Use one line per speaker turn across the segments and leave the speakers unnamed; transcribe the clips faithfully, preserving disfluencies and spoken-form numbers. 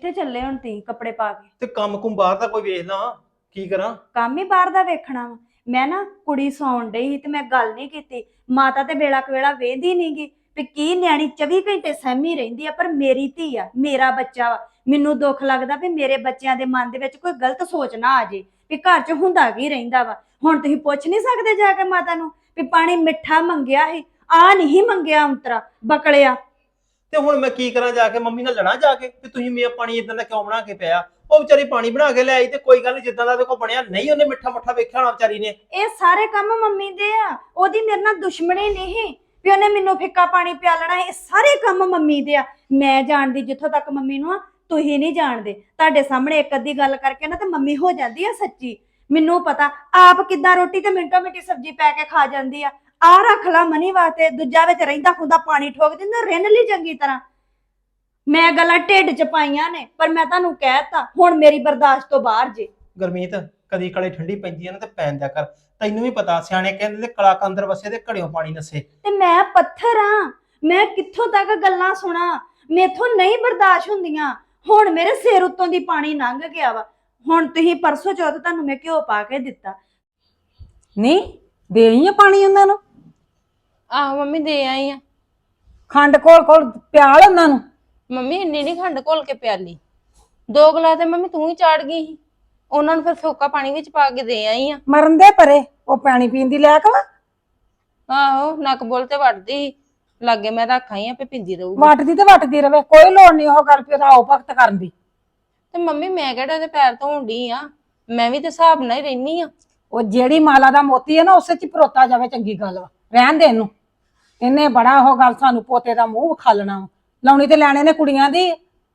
ਕਿੱਥੇ ਚੱਲੇ ਹੁਣ ਤੀ ਕੱਪੜੇ ਪਾ ਕੇ?
ਤੇ ਕੰਮ ਕੁਮ ਬਾਹਰ ਦਾ ਕੋਈ ਵੇਖ ਲਾ, ਕੀ ਕਰਾਂ?
ਕੰਮ ਹੀ ਬਾਹਰ ਦਾ ਵੇਖਣਾ ਵਾ। ਮੈਂ ਨਾ ਕੁੜੀ ਸੌਣ ਡਈ ਸੀ ਤੇ ਮੈਂ ਗੱਲ ਨਹੀਂ ਕੀਤੀ। ਮਾਤਾ ਤੇ ਵੇਲਾ ਕਵੇਲਾ ਵੇਂਦੀ ਨਹੀਂਗੀ ਵੀ ਕੀ ਨਿਆਣੀ ਚੌਵੀ ਘੰਟੇ ਸਹਿਮੀ ਰਹਿੰਦੀ ਆ, ਪਰ ਮੇਰੀ ਧੀ ਆ, ਮੇਰਾ ਬੱਚਾ ਵਾ। ਮੈਨੂੰ ਦੁੱਖ ਲੱਗਦਾ ਵੀ ਮੇਰੇ ਬੱਚਿਆਂ ਦੇ ਮਨ ਦੇ ਵਿੱਚ ਕੋਈ ਗਲਤ ਸੋਚ ਨਾ ਆ ਜੇ ਵੀ ਘਰ 'ਚ ਹੁੰਦਾ ਕੀ ਰਹਿੰਦਾ ਵਾ। ਹੁਣ ਤੁਸੀਂ ਪੁੱਛ ਨਹੀਂ ਸਕਦੇ ਜਾ ਕੇ ਮਾਤਾ ਨੂੰ ਵੀ ਪਾਣੀ ਮਿੱਠਾ ਮੰਗਿਆ ਸੀ, ਆ ਨਹੀਂ ਮੰਗਿਆ ਅੰਤਰਾ ਬਕਲਿਆ।
ਤੇ ਹੁਣ ਮੈਂ ਕੀ ਕਰਾਂ? ਜਾ ਕੇ ਮੰਮੀ ਨਾਲ ਲੜਾਂ ਜਾ ਕੇ ਵੀ ਤੁਸੀਂ ਮੇਰਾ ਪਾਣੀ ਇਦਾਂ ਦਾ ਕਿਉਂ ਬਣਾ ਕੇ ਪਿਆ? ਉਹ ਵਿਚਾਰੀ ਪਾਣੀ ਬਣਾ ਕੇ ਲੈ ਆਈ ਤੇ ਕੋਈ ਗੱਲ ਨਹੀਂ, ਜਿੱਦਾਂ ਦਾ ਦੇਖੋ ਬਣਿਆ ਨਹੀਂ, ਉਹਨੇ ਮਿੱਠਾ ਮੁੱਠਾ ਵੇਖਿਆ ਹੋਣਾ ਵਿਚਾਰੀ ਨੇ।
ਇਹ ਸਾਰੇ ਕੰਮ ਮੰਮੀ ਦੇ ਆ, ਉਹਦੀ ਮੇਰੇ ਨਾਲ ਦੁਸ਼ਮਣੀ ਨਹੀਂ ਵੀ ਉਹਨੇ ਮੈਨੂੰ ਫਿੱਕਾ ਪਾਣੀ ਪਿਆਲਣਾ। ਇਹ ਸਾਰੇ ਕੰਮ ਮੰਮੀ ਦੇ ਆ। ਮੈਂ ਜਾਣਦੀ ਜਿੱਥੋਂ ਤੱਕ ਮੰਮੀ ਨੂੰ ਆ, ਤੁਸੀਂ ਨਹੀਂ ਜਾਣਦੇ। ਤੁਹਾਡੇ ਸਾਹਮਣੇ ਇੱਕ ਅੱਧੀ ਗੱਲ ਕਰਕੇ ਨਾ ਤੇ ਮੰਮੀ ਹੋ ਜਾਂਦੀ ਆ ਸੱਚੀ। ਮੈਨੂੰ ਪਤਾ ਆਪ ਕਿੱਦਾਂ ਰੋਟੀ ਤੇ ਮਿੰਟੋ ਮਿੰਟੀ ਸਬਜ਼ੀ ਪੈ ਕੇ ਖਾ ਜਾਂਦੀ ਆ। ਆ ਰੱਖ ਲਾ ਮਨੀ ਵਾਸਤੇ, ਦੂਜਾ ਵਿੱਚ ਰਹਿੰਦਾ ਖੁੰਦਾ ਪਾਣੀ ਠੋਕ ਦਿੰਦਾ, ਰਿੰਨ ਲਈ ਚੰਗੀ ਤਰ੍ਹਾਂ। ਮੈਂ ਗੱਲਾਂ ਢਿੱਡ 'ਚ ਪਾਈਆਂ ਨੇ, ਪਰ ਮੈਂ ਤੁਹਾਨੂੰ ਕਹਿਤਾ ਹੁਣ ਮੇਰੀ ਬਰਦਾਸ਼ਤ ਤੋਂ ਬਾਹਰ ਜੇ।
ਗੁਰਮੀਤ, ਕਦੀ ਕਲੇ ਠੰਡੀ ਪੈਂਦੀ ਆ ਨਾ ਤੇ ਪੈਣ ਦਿਆ ਕਰ। ਤੈਨੂੰ ਵੀ ਪਤਾ, ਸਿਆਣੇ ਕਹਿੰਦੇ ਨੇ ਕਲਾ ਕੰਦਰ ਵਸੇ ਤੇ ਘੜਿਓ ਪਾਣੀ ਨਸੇ।
ਤੇ ਮੈਂ ਪੱਥਰ ਆ, ਮੈਂ ਕਿੱਥੋਂ ਤੱਕ ਗੱਲਾਂ ਸੁਣਾ? ਮੇਥੋਂ ਨਹੀਂ ਬਰਦਾਸ਼ਤ ਹੁੰਦੀਆਂ। ਹੁਣ ਮੇਰੇ ਸਿਰ ਉੱਤੋਂ ਦੀ ਪਾਣੀ ਲੰਘ ਗਿਆ ਵਾ। ਹੁਣ ਤੁਸੀਂ ਪਰਸੋਂ ਚੌਥ ਤੁਹਾਨੂੰ ਮੈਂ ਘਿਓ ਪਾ ਕੇ ਦਿੱਤਾ।
ਨਹੀਂ ਦੇਈ ਆ ਪਾਣੀ ਉਹਨਾਂ ਨੂੰ?
ਆਹੋ ਮੰਮੀ ਦੇ ਆਈ ਆ।
ਖੰਡ ਕੋਲ ਕੋਲ ਪਿਆਲ ਉਹਨਾਂ ਨੂੰ?
ਮੰਮੀ ਇੰਨੀ ਨਹੀਂ ਖੰਡ ਘੋਲ ਕੇ ਪਿਆਲੀ, ਦੋ ਗਲਾਸ ਤੇ ਮੰਮੀ ਤੂੰ ਹੀ ਚਾੜ ਗਈ ਸੀ। ਉਹਨਾਂ ਨੂੰ ਫਿਰ ਫੋਕਾ ਪਾਣੀ ਵਿੱਚ ਪਾ ਕੇ ਦੇ ਆਈ ਆ।
ਮਰਨ ਦੇ ਪਰੇ, ਉਹ ਪਾਣੀ ਪੀਣ ਦੀ ਲੈ ਕੇ ਵਾ।
ਆਹੋ ਨੱਕ ਬੋਲ ਤੇ ਵੜਦੀ ਲਾਗੇ ਮੈਂ ਰੱਖ ਆਈ ਆ, ਪੇ ਪਿੰਦੀ ਰਹੂਗੀ।
ਵੱਟਦੀ ਤੇ ਵੱਟਦੀ ਰਵੇ, ਕੋਈ ਲੋੜ ਨਹੀਂ ਉਹ ਗੱਲ ਫਿਰ ਆਓ ਭਗਤ ਕਰਨ ਦੀ।
ਤੇ ਮੰਮੀ ਮੈਂ ਕਿਹੜਾ ਉਹਦੇ ਪੈਰ ਧੋਣ ਡਈ ਆ, ਮੈਂ ਵੀ ਤੇ ਹਿਸਾਬ ਨਾਲ ਹੀ ਰਹਿਨੀ ਆ।
ਉਹ ਜਿਹੜੀ ਮਾਲਾ ਦਾ ਮੋਤੀ ਹੈ ਨਾ ਉਸੇ ਚ ਪਰੋਤਾ ਜਾਵੇ, ਚੰਗੀ ਗੱਲ ਵਾ। ਰਹਿਣ ਦੇ ਇਹਨੂੰ, ਇਹਨੇ ਬੜਾ ਉਹ ਗੱਲ ਸਾਨੂੰ ਪੋਤੇ ਦਾ ਮੂੰਹ ਵਿਖਾਲਣਾ ਵਾ। ਲਾਉਣੀ ਤੇ ਲੈਣੇ ਨੇ ਕੁੜੀਆਂ ਦੀ।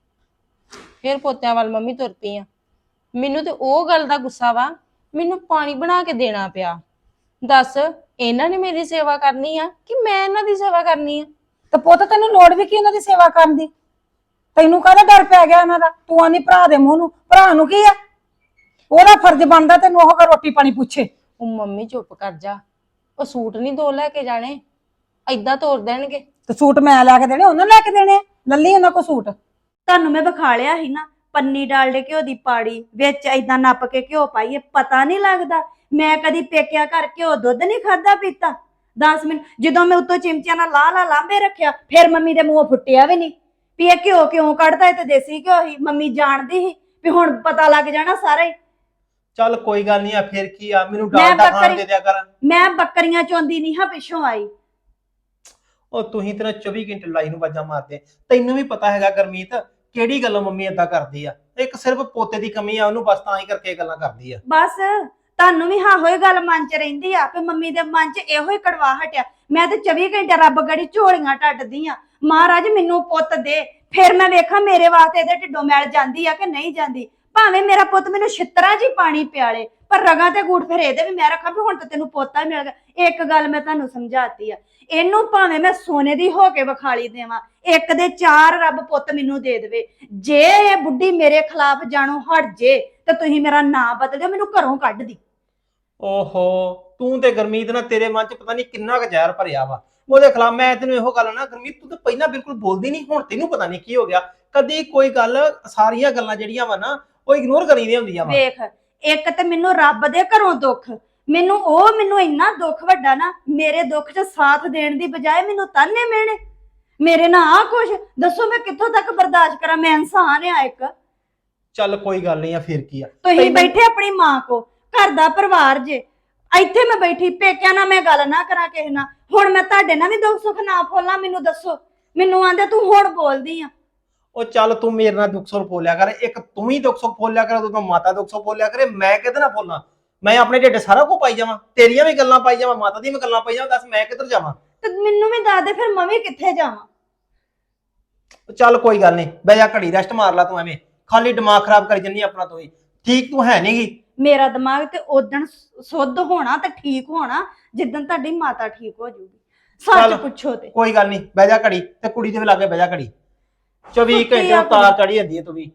ਫਿਰ ਪੋਤਿਆਂ ਵੱਲ ਮੰਮੀ ਤੁਰ ਪਈ ਆ। ਮੈਨੂੰ ਤੇ ਉਹ ਗੱਲ ਦਾ ਗੁੱਸਾ ਵਾ, ਮੈਨੂੰ ਪਾਣੀ ਬਣਾ ਕੇ ਦੇਣਾ ਪਿਆ। ਦੱਸ ਇਹਨਾਂ ਨੇ ਮੇਰੀ ਸੇਵਾ ਕਰਨੀ ਆ ਕਿ ਮੈਂ ਇਹਨਾਂ ਦੀ ਸੇਵਾ ਕਰਨੀ ਆ?
ਤੇ ਪੁੱਤ ਤੈਨੂੰ ਲੋੜ ਵੀ ਕੀ ਉਹਨਾਂ ਦੀ ਸੇਵਾ ਕਰਨ ਦੀ? ਤੈਨੂੰ ਕਾਹਦਾ ਡਰ ਪੈ ਗਿਆ ਉਹਨਾਂ ਦਾ? ਤੂੰ ਆਨੀ ਭਰਾ ਦੇ ਮੂੰਹ ਨੂੰ, ਭਰਾ ਨੂੰ ਕੀ ਆ? ਉਹਦਾ ਫਰਜ਼ ਬਣਦਾ ਤੈਨੂੰ ਉਹ ਰੋਟੀ ਪਾਣੀ ਪੁੱਛੇ।
ਉਹ ਮੰਮੀ ਚੁੱਪ ਕਰ ਜਾ, ਉਹ ਸੂਟ ਨਹੀਂ ਦੋ ਲੈ ਕੇ ਜਾਣੇ, ਏਦਾਂ ਤੋਰ ਦੇਣਗੇ।
ਤੇ ਸੂਟ ਮੈਂ ਲੈ ਕੇ ਦੇਣੇ, ਉਹਨਾਂ ਲੈ ਕੇ ਦੇਣੇ? ਲੱਲੀ ਉਹਨਾਂ ਕੋ ਸੂਟ।
ਤੁਹਾਨੂੰ ਮੈਂ ਵਿਖਾ ਲਿਆ ਸੀ ਨਾ, ਪੰਨੀ ਡਾਲਡੇ ਘਿਓ ਦੀ ਪਾੜੀ ਵਿੱਚ ਏਦਾਂ ਨੱਪ ਕੇ ਘਿਓ ਪਾਈਏ, ਪਤਾ ਨਹੀਂ ਲੱਗਦਾ। ਮੈਂ ਕਦੀ ਪੇਕਿਆ ਘਰ ਘਿਓ ਦੁੱਧ ਨਹੀਂ ਖਾਦਾ ਪੀਤਾ। ਦਸ ਮਿੰਟ ਜਦੋਂ ਮੈਂ ਉੱਤੋਂ ਚਿਮਚਿਆਂ ਨਾਲ ਲਾ ਲਾ ਲਾਂਬੇ ਰੱਖਿਆ, ਫਿਰ ਮੰਮੀ ਦੇ ਮੂੰਹੋਂ ਫੁੱਟਿਆ ਵੀ ਨਹੀਂ ਵੀ ਇਹ ਘਿਓ ਕਿਉਂ ਕੱਢਦਾ। ਇਹ ਤੇ ਦੇਸੀ ਘਿਓ ਹੀ। ਮੰਮੀ ਜਾਣਦੀ ਸੀ ਵੀ ਹੁਣ ਪਤਾ ਲੱਗ ਜਾਣਾ ਸਾਰਾ ਹੀ।
ਚੱਲ ਕੋਈ ਗੱਲ ਨਹੀਂ ਆ, ਫਿਰ ਕੀ ਆ, ਮੈਨੂੰ ਡਾਲਡਾ ਖਾਣ ਦੇ ਦਿਆ ਕਰ।
ਮੈਂ ਬੱਕਰੀਆਂ ਚੋਂਦੀ ਨਹੀਂ ਹਾਂ ਪਿੱਛੋਂ ਆਈ।
ਉਹ ਤੁਸੀਂ ਤੇਰਾ ਚੌਵੀ ਘੰਟੇ ਲੜਾਈ ਨੂੰ ਵਾਜਾਂ ਮਾਰਦੇ। ਤੈਨੂੰ ਵੀ ਪਤਾ ਹੈਗਾ ਗੁਰਮੀਤ ਕਿਹੜੀ ਗੱਲੋਂ ਮੰਮੀ ਏਦਾਂ ਕਰਦੀ ਆ। ਇੱਕ ਸਿਰਫ ਪੋਤੇ ਦੀ ਕਮੀ ਆ, ਉਹਨੂੰ ਬਸ ਤਾਂ ਹੀ ਕਰਕੇ ਗੱਲਾਂ ਕਰਦੀ ਆ।
ਬਸ ਤੁਹਾਨੂੰ ਵੀ ਹਾਂ ਹੋਏ ਗੱਲ ਮਨ 'ਚ ਰਹਿੰਦੀ ਆ ਕਿ ਮੰਮੀ ਦੇ ਮਨ 'ਚ ਇਹੋ ਹੀ ਕੜਵਾਹਟ ਆ। ਮੈਂ ਤੇ ਚੌਵੀ ਘੰਟੇ ਰੱਬ ਗੜੀ ਝੋਲੀਆਂ ਟੱਟਦੀ ਆ, ਮਹਾਰਾਜ ਮੈਨੂੰ ਪੁੱਤ ਦੇ, ਫਿਰ ਮੈਂ ਵੇਖਾਂ ਮੇਰੇ ਵਾਸਤੇ ਇਹਦੇ ਢਿੱਡੋਂ ਮੈਲ ਜਾਂਦੀ ਆ ਕਿ ਨਹੀਂ ਜਾਂਦੀ। ਭਾਵੇਂ ਮੇਰਾ ਪੁੱਤ ਮੈਨੂੰ ਛਿੱਤਰਾਂ ਜੀ ਪਾਣੀ ਪਿਆਲੇ, ਪਰ ਰਗਾਂ ਤੇ ਗੂਠ ਫਿਰ ਇਹਦੇ ਵੀ ਮੈਂ ਰੱਖਾਂ ਵੀ ਹੁਣ ਤਾਂ ਤੈਨੂੰ ਪੋਤਾ ਹੀ ਮਿਲ ਗਿਆ। ਇੱਕ ਗੱਲ ਮੈਂ ਤੁਹਾਨੂੰ ਸਮਝਾਤੀ ਆ, ਇਹਨੂੰ ਭਾਵੇਂ ਮੈਂ ਸੋਨੇ ਦੀ ਹੋ ਕੇ ਵਿਖਾਲੀ ਦੇਵਾਂ, ਇੱਕ ਦੇ ਚਾਰ ਰੱਬ ਪੁੱਤ ਮੈਨੂੰ ਦੇ ਦੇਵੇ। ਜੇ ਇਹ ਬੁੱਢੀ ਮੇਰੇ ਖਿਲਾਫ ਜਾਣੋ ਹਟ ਜੇ ਤੇ ਤੁਸੀਂ ਮੇਰਾ ਨਾਂ ਬਦਲ ਦਿਓ, ਮੈਨੂੰ ਘਰੋਂ ਕੱਢ ਦੀ।
ਓਹੋ, ਤੂੰ ਤੇ ਗੁਰਮੀਤ ਨਾਲ ਤੇਰੇ ਮਨ 'ਚ ਪਤਾ ਨਹੀਂ ਕਿੰਨਾ ਕੁ ਜ਼ਹਿਰ ਭਰਿਆ ਵਾ ਉਹਦੇ ਖਿਲਾਫ। ਮੈਂ ਤੈਨੂੰ ਇਹੋ ਗੱਲ ਨਾ, ਗੁਰਮੀਤ ਤੂੰ ਤਾਂ ਪਹਿਲਾਂ ਬਿਲਕੁਲ ਬੋਲਦੀ ਨਹੀਂ, ਹੁਣ ਤੈਨੂੰ ਪਤਾ ਨਹੀਂ ਕੀ ਹੋ ਗਿਆ। ਕਦੀ ਕੋਈ ਗੱਲ, ਸਾਰੀਆਂ ਗੱਲਾਂ ਜਿਹੜੀਆਂ ਵਾ ਨਾ ਉਹ ਇਗਨੋਰ ਕਰੀਦੀਆਂ ਹੁੰਦੀਆਂ ਵਾ।
ਵੇਖ, ਇੱਕ ਤੇ ਮੈਨੂੰ ਰੱਬ ਦੇ ਘਰੋਂ ਦੁੱਖ, ਮੈਨੂੰ ਉਹ ਮੈਨੂੰ ਇੰਨਾ ਦੁੱਖ ਵੱਡਾ ਨਾ, ਮੇਰੇ ਦੁੱਖ 'ਚ ਸਾਥ ਦੇਣ ਦੀ ਬਜਾਏ ਮੈਨੂੰ ਤਾਨੇ ਮਿਹਣੇ, ਮੇਰੇ ਨਾਲ ਆ ਕੁਛ। ਦੱਸੋ ਮੈਂ ਕਿੱਥੋਂ ਤੱਕ ਬਰਦਾਸ਼ਤ ਕਰਾਂ? ਮੈਂ ਇਨਸਾਨ ਆ ਇੱਕ।
ਚੱਲ ਕੋਈ ਗੱਲ ਨਹੀਂ ਆ, ਫਿਰ ਕੀ ਆ।
ਤੁਸੀਂ ਬੈਠੇ ਆਪਣੀ ਮਾਂ ਕੋ, ਘਰ ਦਾ ਪਰਿਵਾਰ ਜੇ, ਇੱਥੇ ਮੈਂ ਬੈਠੀ ਪੇਕਿਆਂ ਨਾਲ ਮੈਂ ਗੱਲ ਨਾ ਕਰਾਂ ਕਿਸੇ ਨਾਲ। ਹੁਣ ਮੈਂ ਤੁਹਾਡੇ ਨਾਲ ਵੀ ਦੁੱਖ ਸੁੱਖ ਨਾ ਫੋਲਾਂ? ਮੈਨੂੰ ਦੱਸੋ। ਮੈਨੂੰ ਆਂਦੇ ਤੂੰ ਹੁਣ ਬੋਲਦੀ ਆ।
ਉਹ ਚੱਲ ਤੂੰ ਮੇਰੇ ਨਾਲ ਦੁੱਖ ਸੁੱਖ ਫੋਲਿਆ ਕਰ, ਇੱਕ ਤੂੰ ਹੀ ਦੁੱਖ ਸੁੱਖ ਫੋਲਿਆ ਕਰ, ਉਦੋਂ ਮਾਤਾ ਦੁੱਖ ਸੁੱਖ ਫੋਲਿਆ ਕਰੇ। ਮੈਂ ਕਿਹਦੇ ਨਾਲ ਫੋਲਾਂ? ਮੈਂ ਆਪਣੇ ਢਿੱਡ ਸਾਰਾ ਕੁਝ ਪਾਈ ਜਾਵਾਂ, ਤੇਰੀਆਂ ਵੀ ਗੱਲਾਂ ਪਾਈ ਜਾਵਾਂ, ਮਾਤਾ ਦੀਆਂ ਵੀ ਗੱਲਾਂ ਪਾਈ ਜਾਵਾਂ। ਦੱਸ ਮੈਂ ਕਿੱਧਰ ਜਾਵਾਂ?
ਤੇ ਮੈਨੂੰ ਵੀ ਦੱਸ ਦੇ ਫਿਰ ਮੈਂ ਵੀ ਕਿੱਥੇ ਜਾਵਾਂ।
ਚੱਲ ਕੋਈ ਗੱਲ ਨਹੀਂ, ਬਹਿ ਜਾ ਘੜੀ ਰੈਸਟ ਮਾਰ ਲਾ। ਤੂੰ ਐਵੇਂ ਖਾਲੀ ਦਿਮਾਗ ਖਰਾਬ ਕਰੀ ਜੰਨੀ ਆਪਣਾ। ਤੂੰ ਹੀ ਠੀਕ ਤੂੰ ਹੈ ਨਹੀਂਗੀ।
ਮੇਰਾ ਦਿਮਾਗ ਤੇ ਉਦਣ ਸੁੱਧ ਹੋਣਾ ਤੇ ਠੀਕ ਹੋਣਾ ਜਿੱਦਣ ਤੁਹਾਡੀ ਮਾਤਾ ਠੀਕ ਹੋ ਜਾਊਗੀ। ਸੱਚ ਪੁੱਛੋ ਤੇ
ਕੋਈ ਗੱਲ ਨਹੀਂ, ਬਹਿ ਜਾ ਘੜੀ, ਤੇ ਕੁੜੀ ਦੇ ਵੀ ਲਾਗੇ ਬਹਿ ਜਾ ਘੜੀ। ਚੌਵੀ ਘੰਟੇ ਤਾਰ ਚੜੀ ਜਾਂਦੀ ਹੈ ਤੂੰ ਵੀ।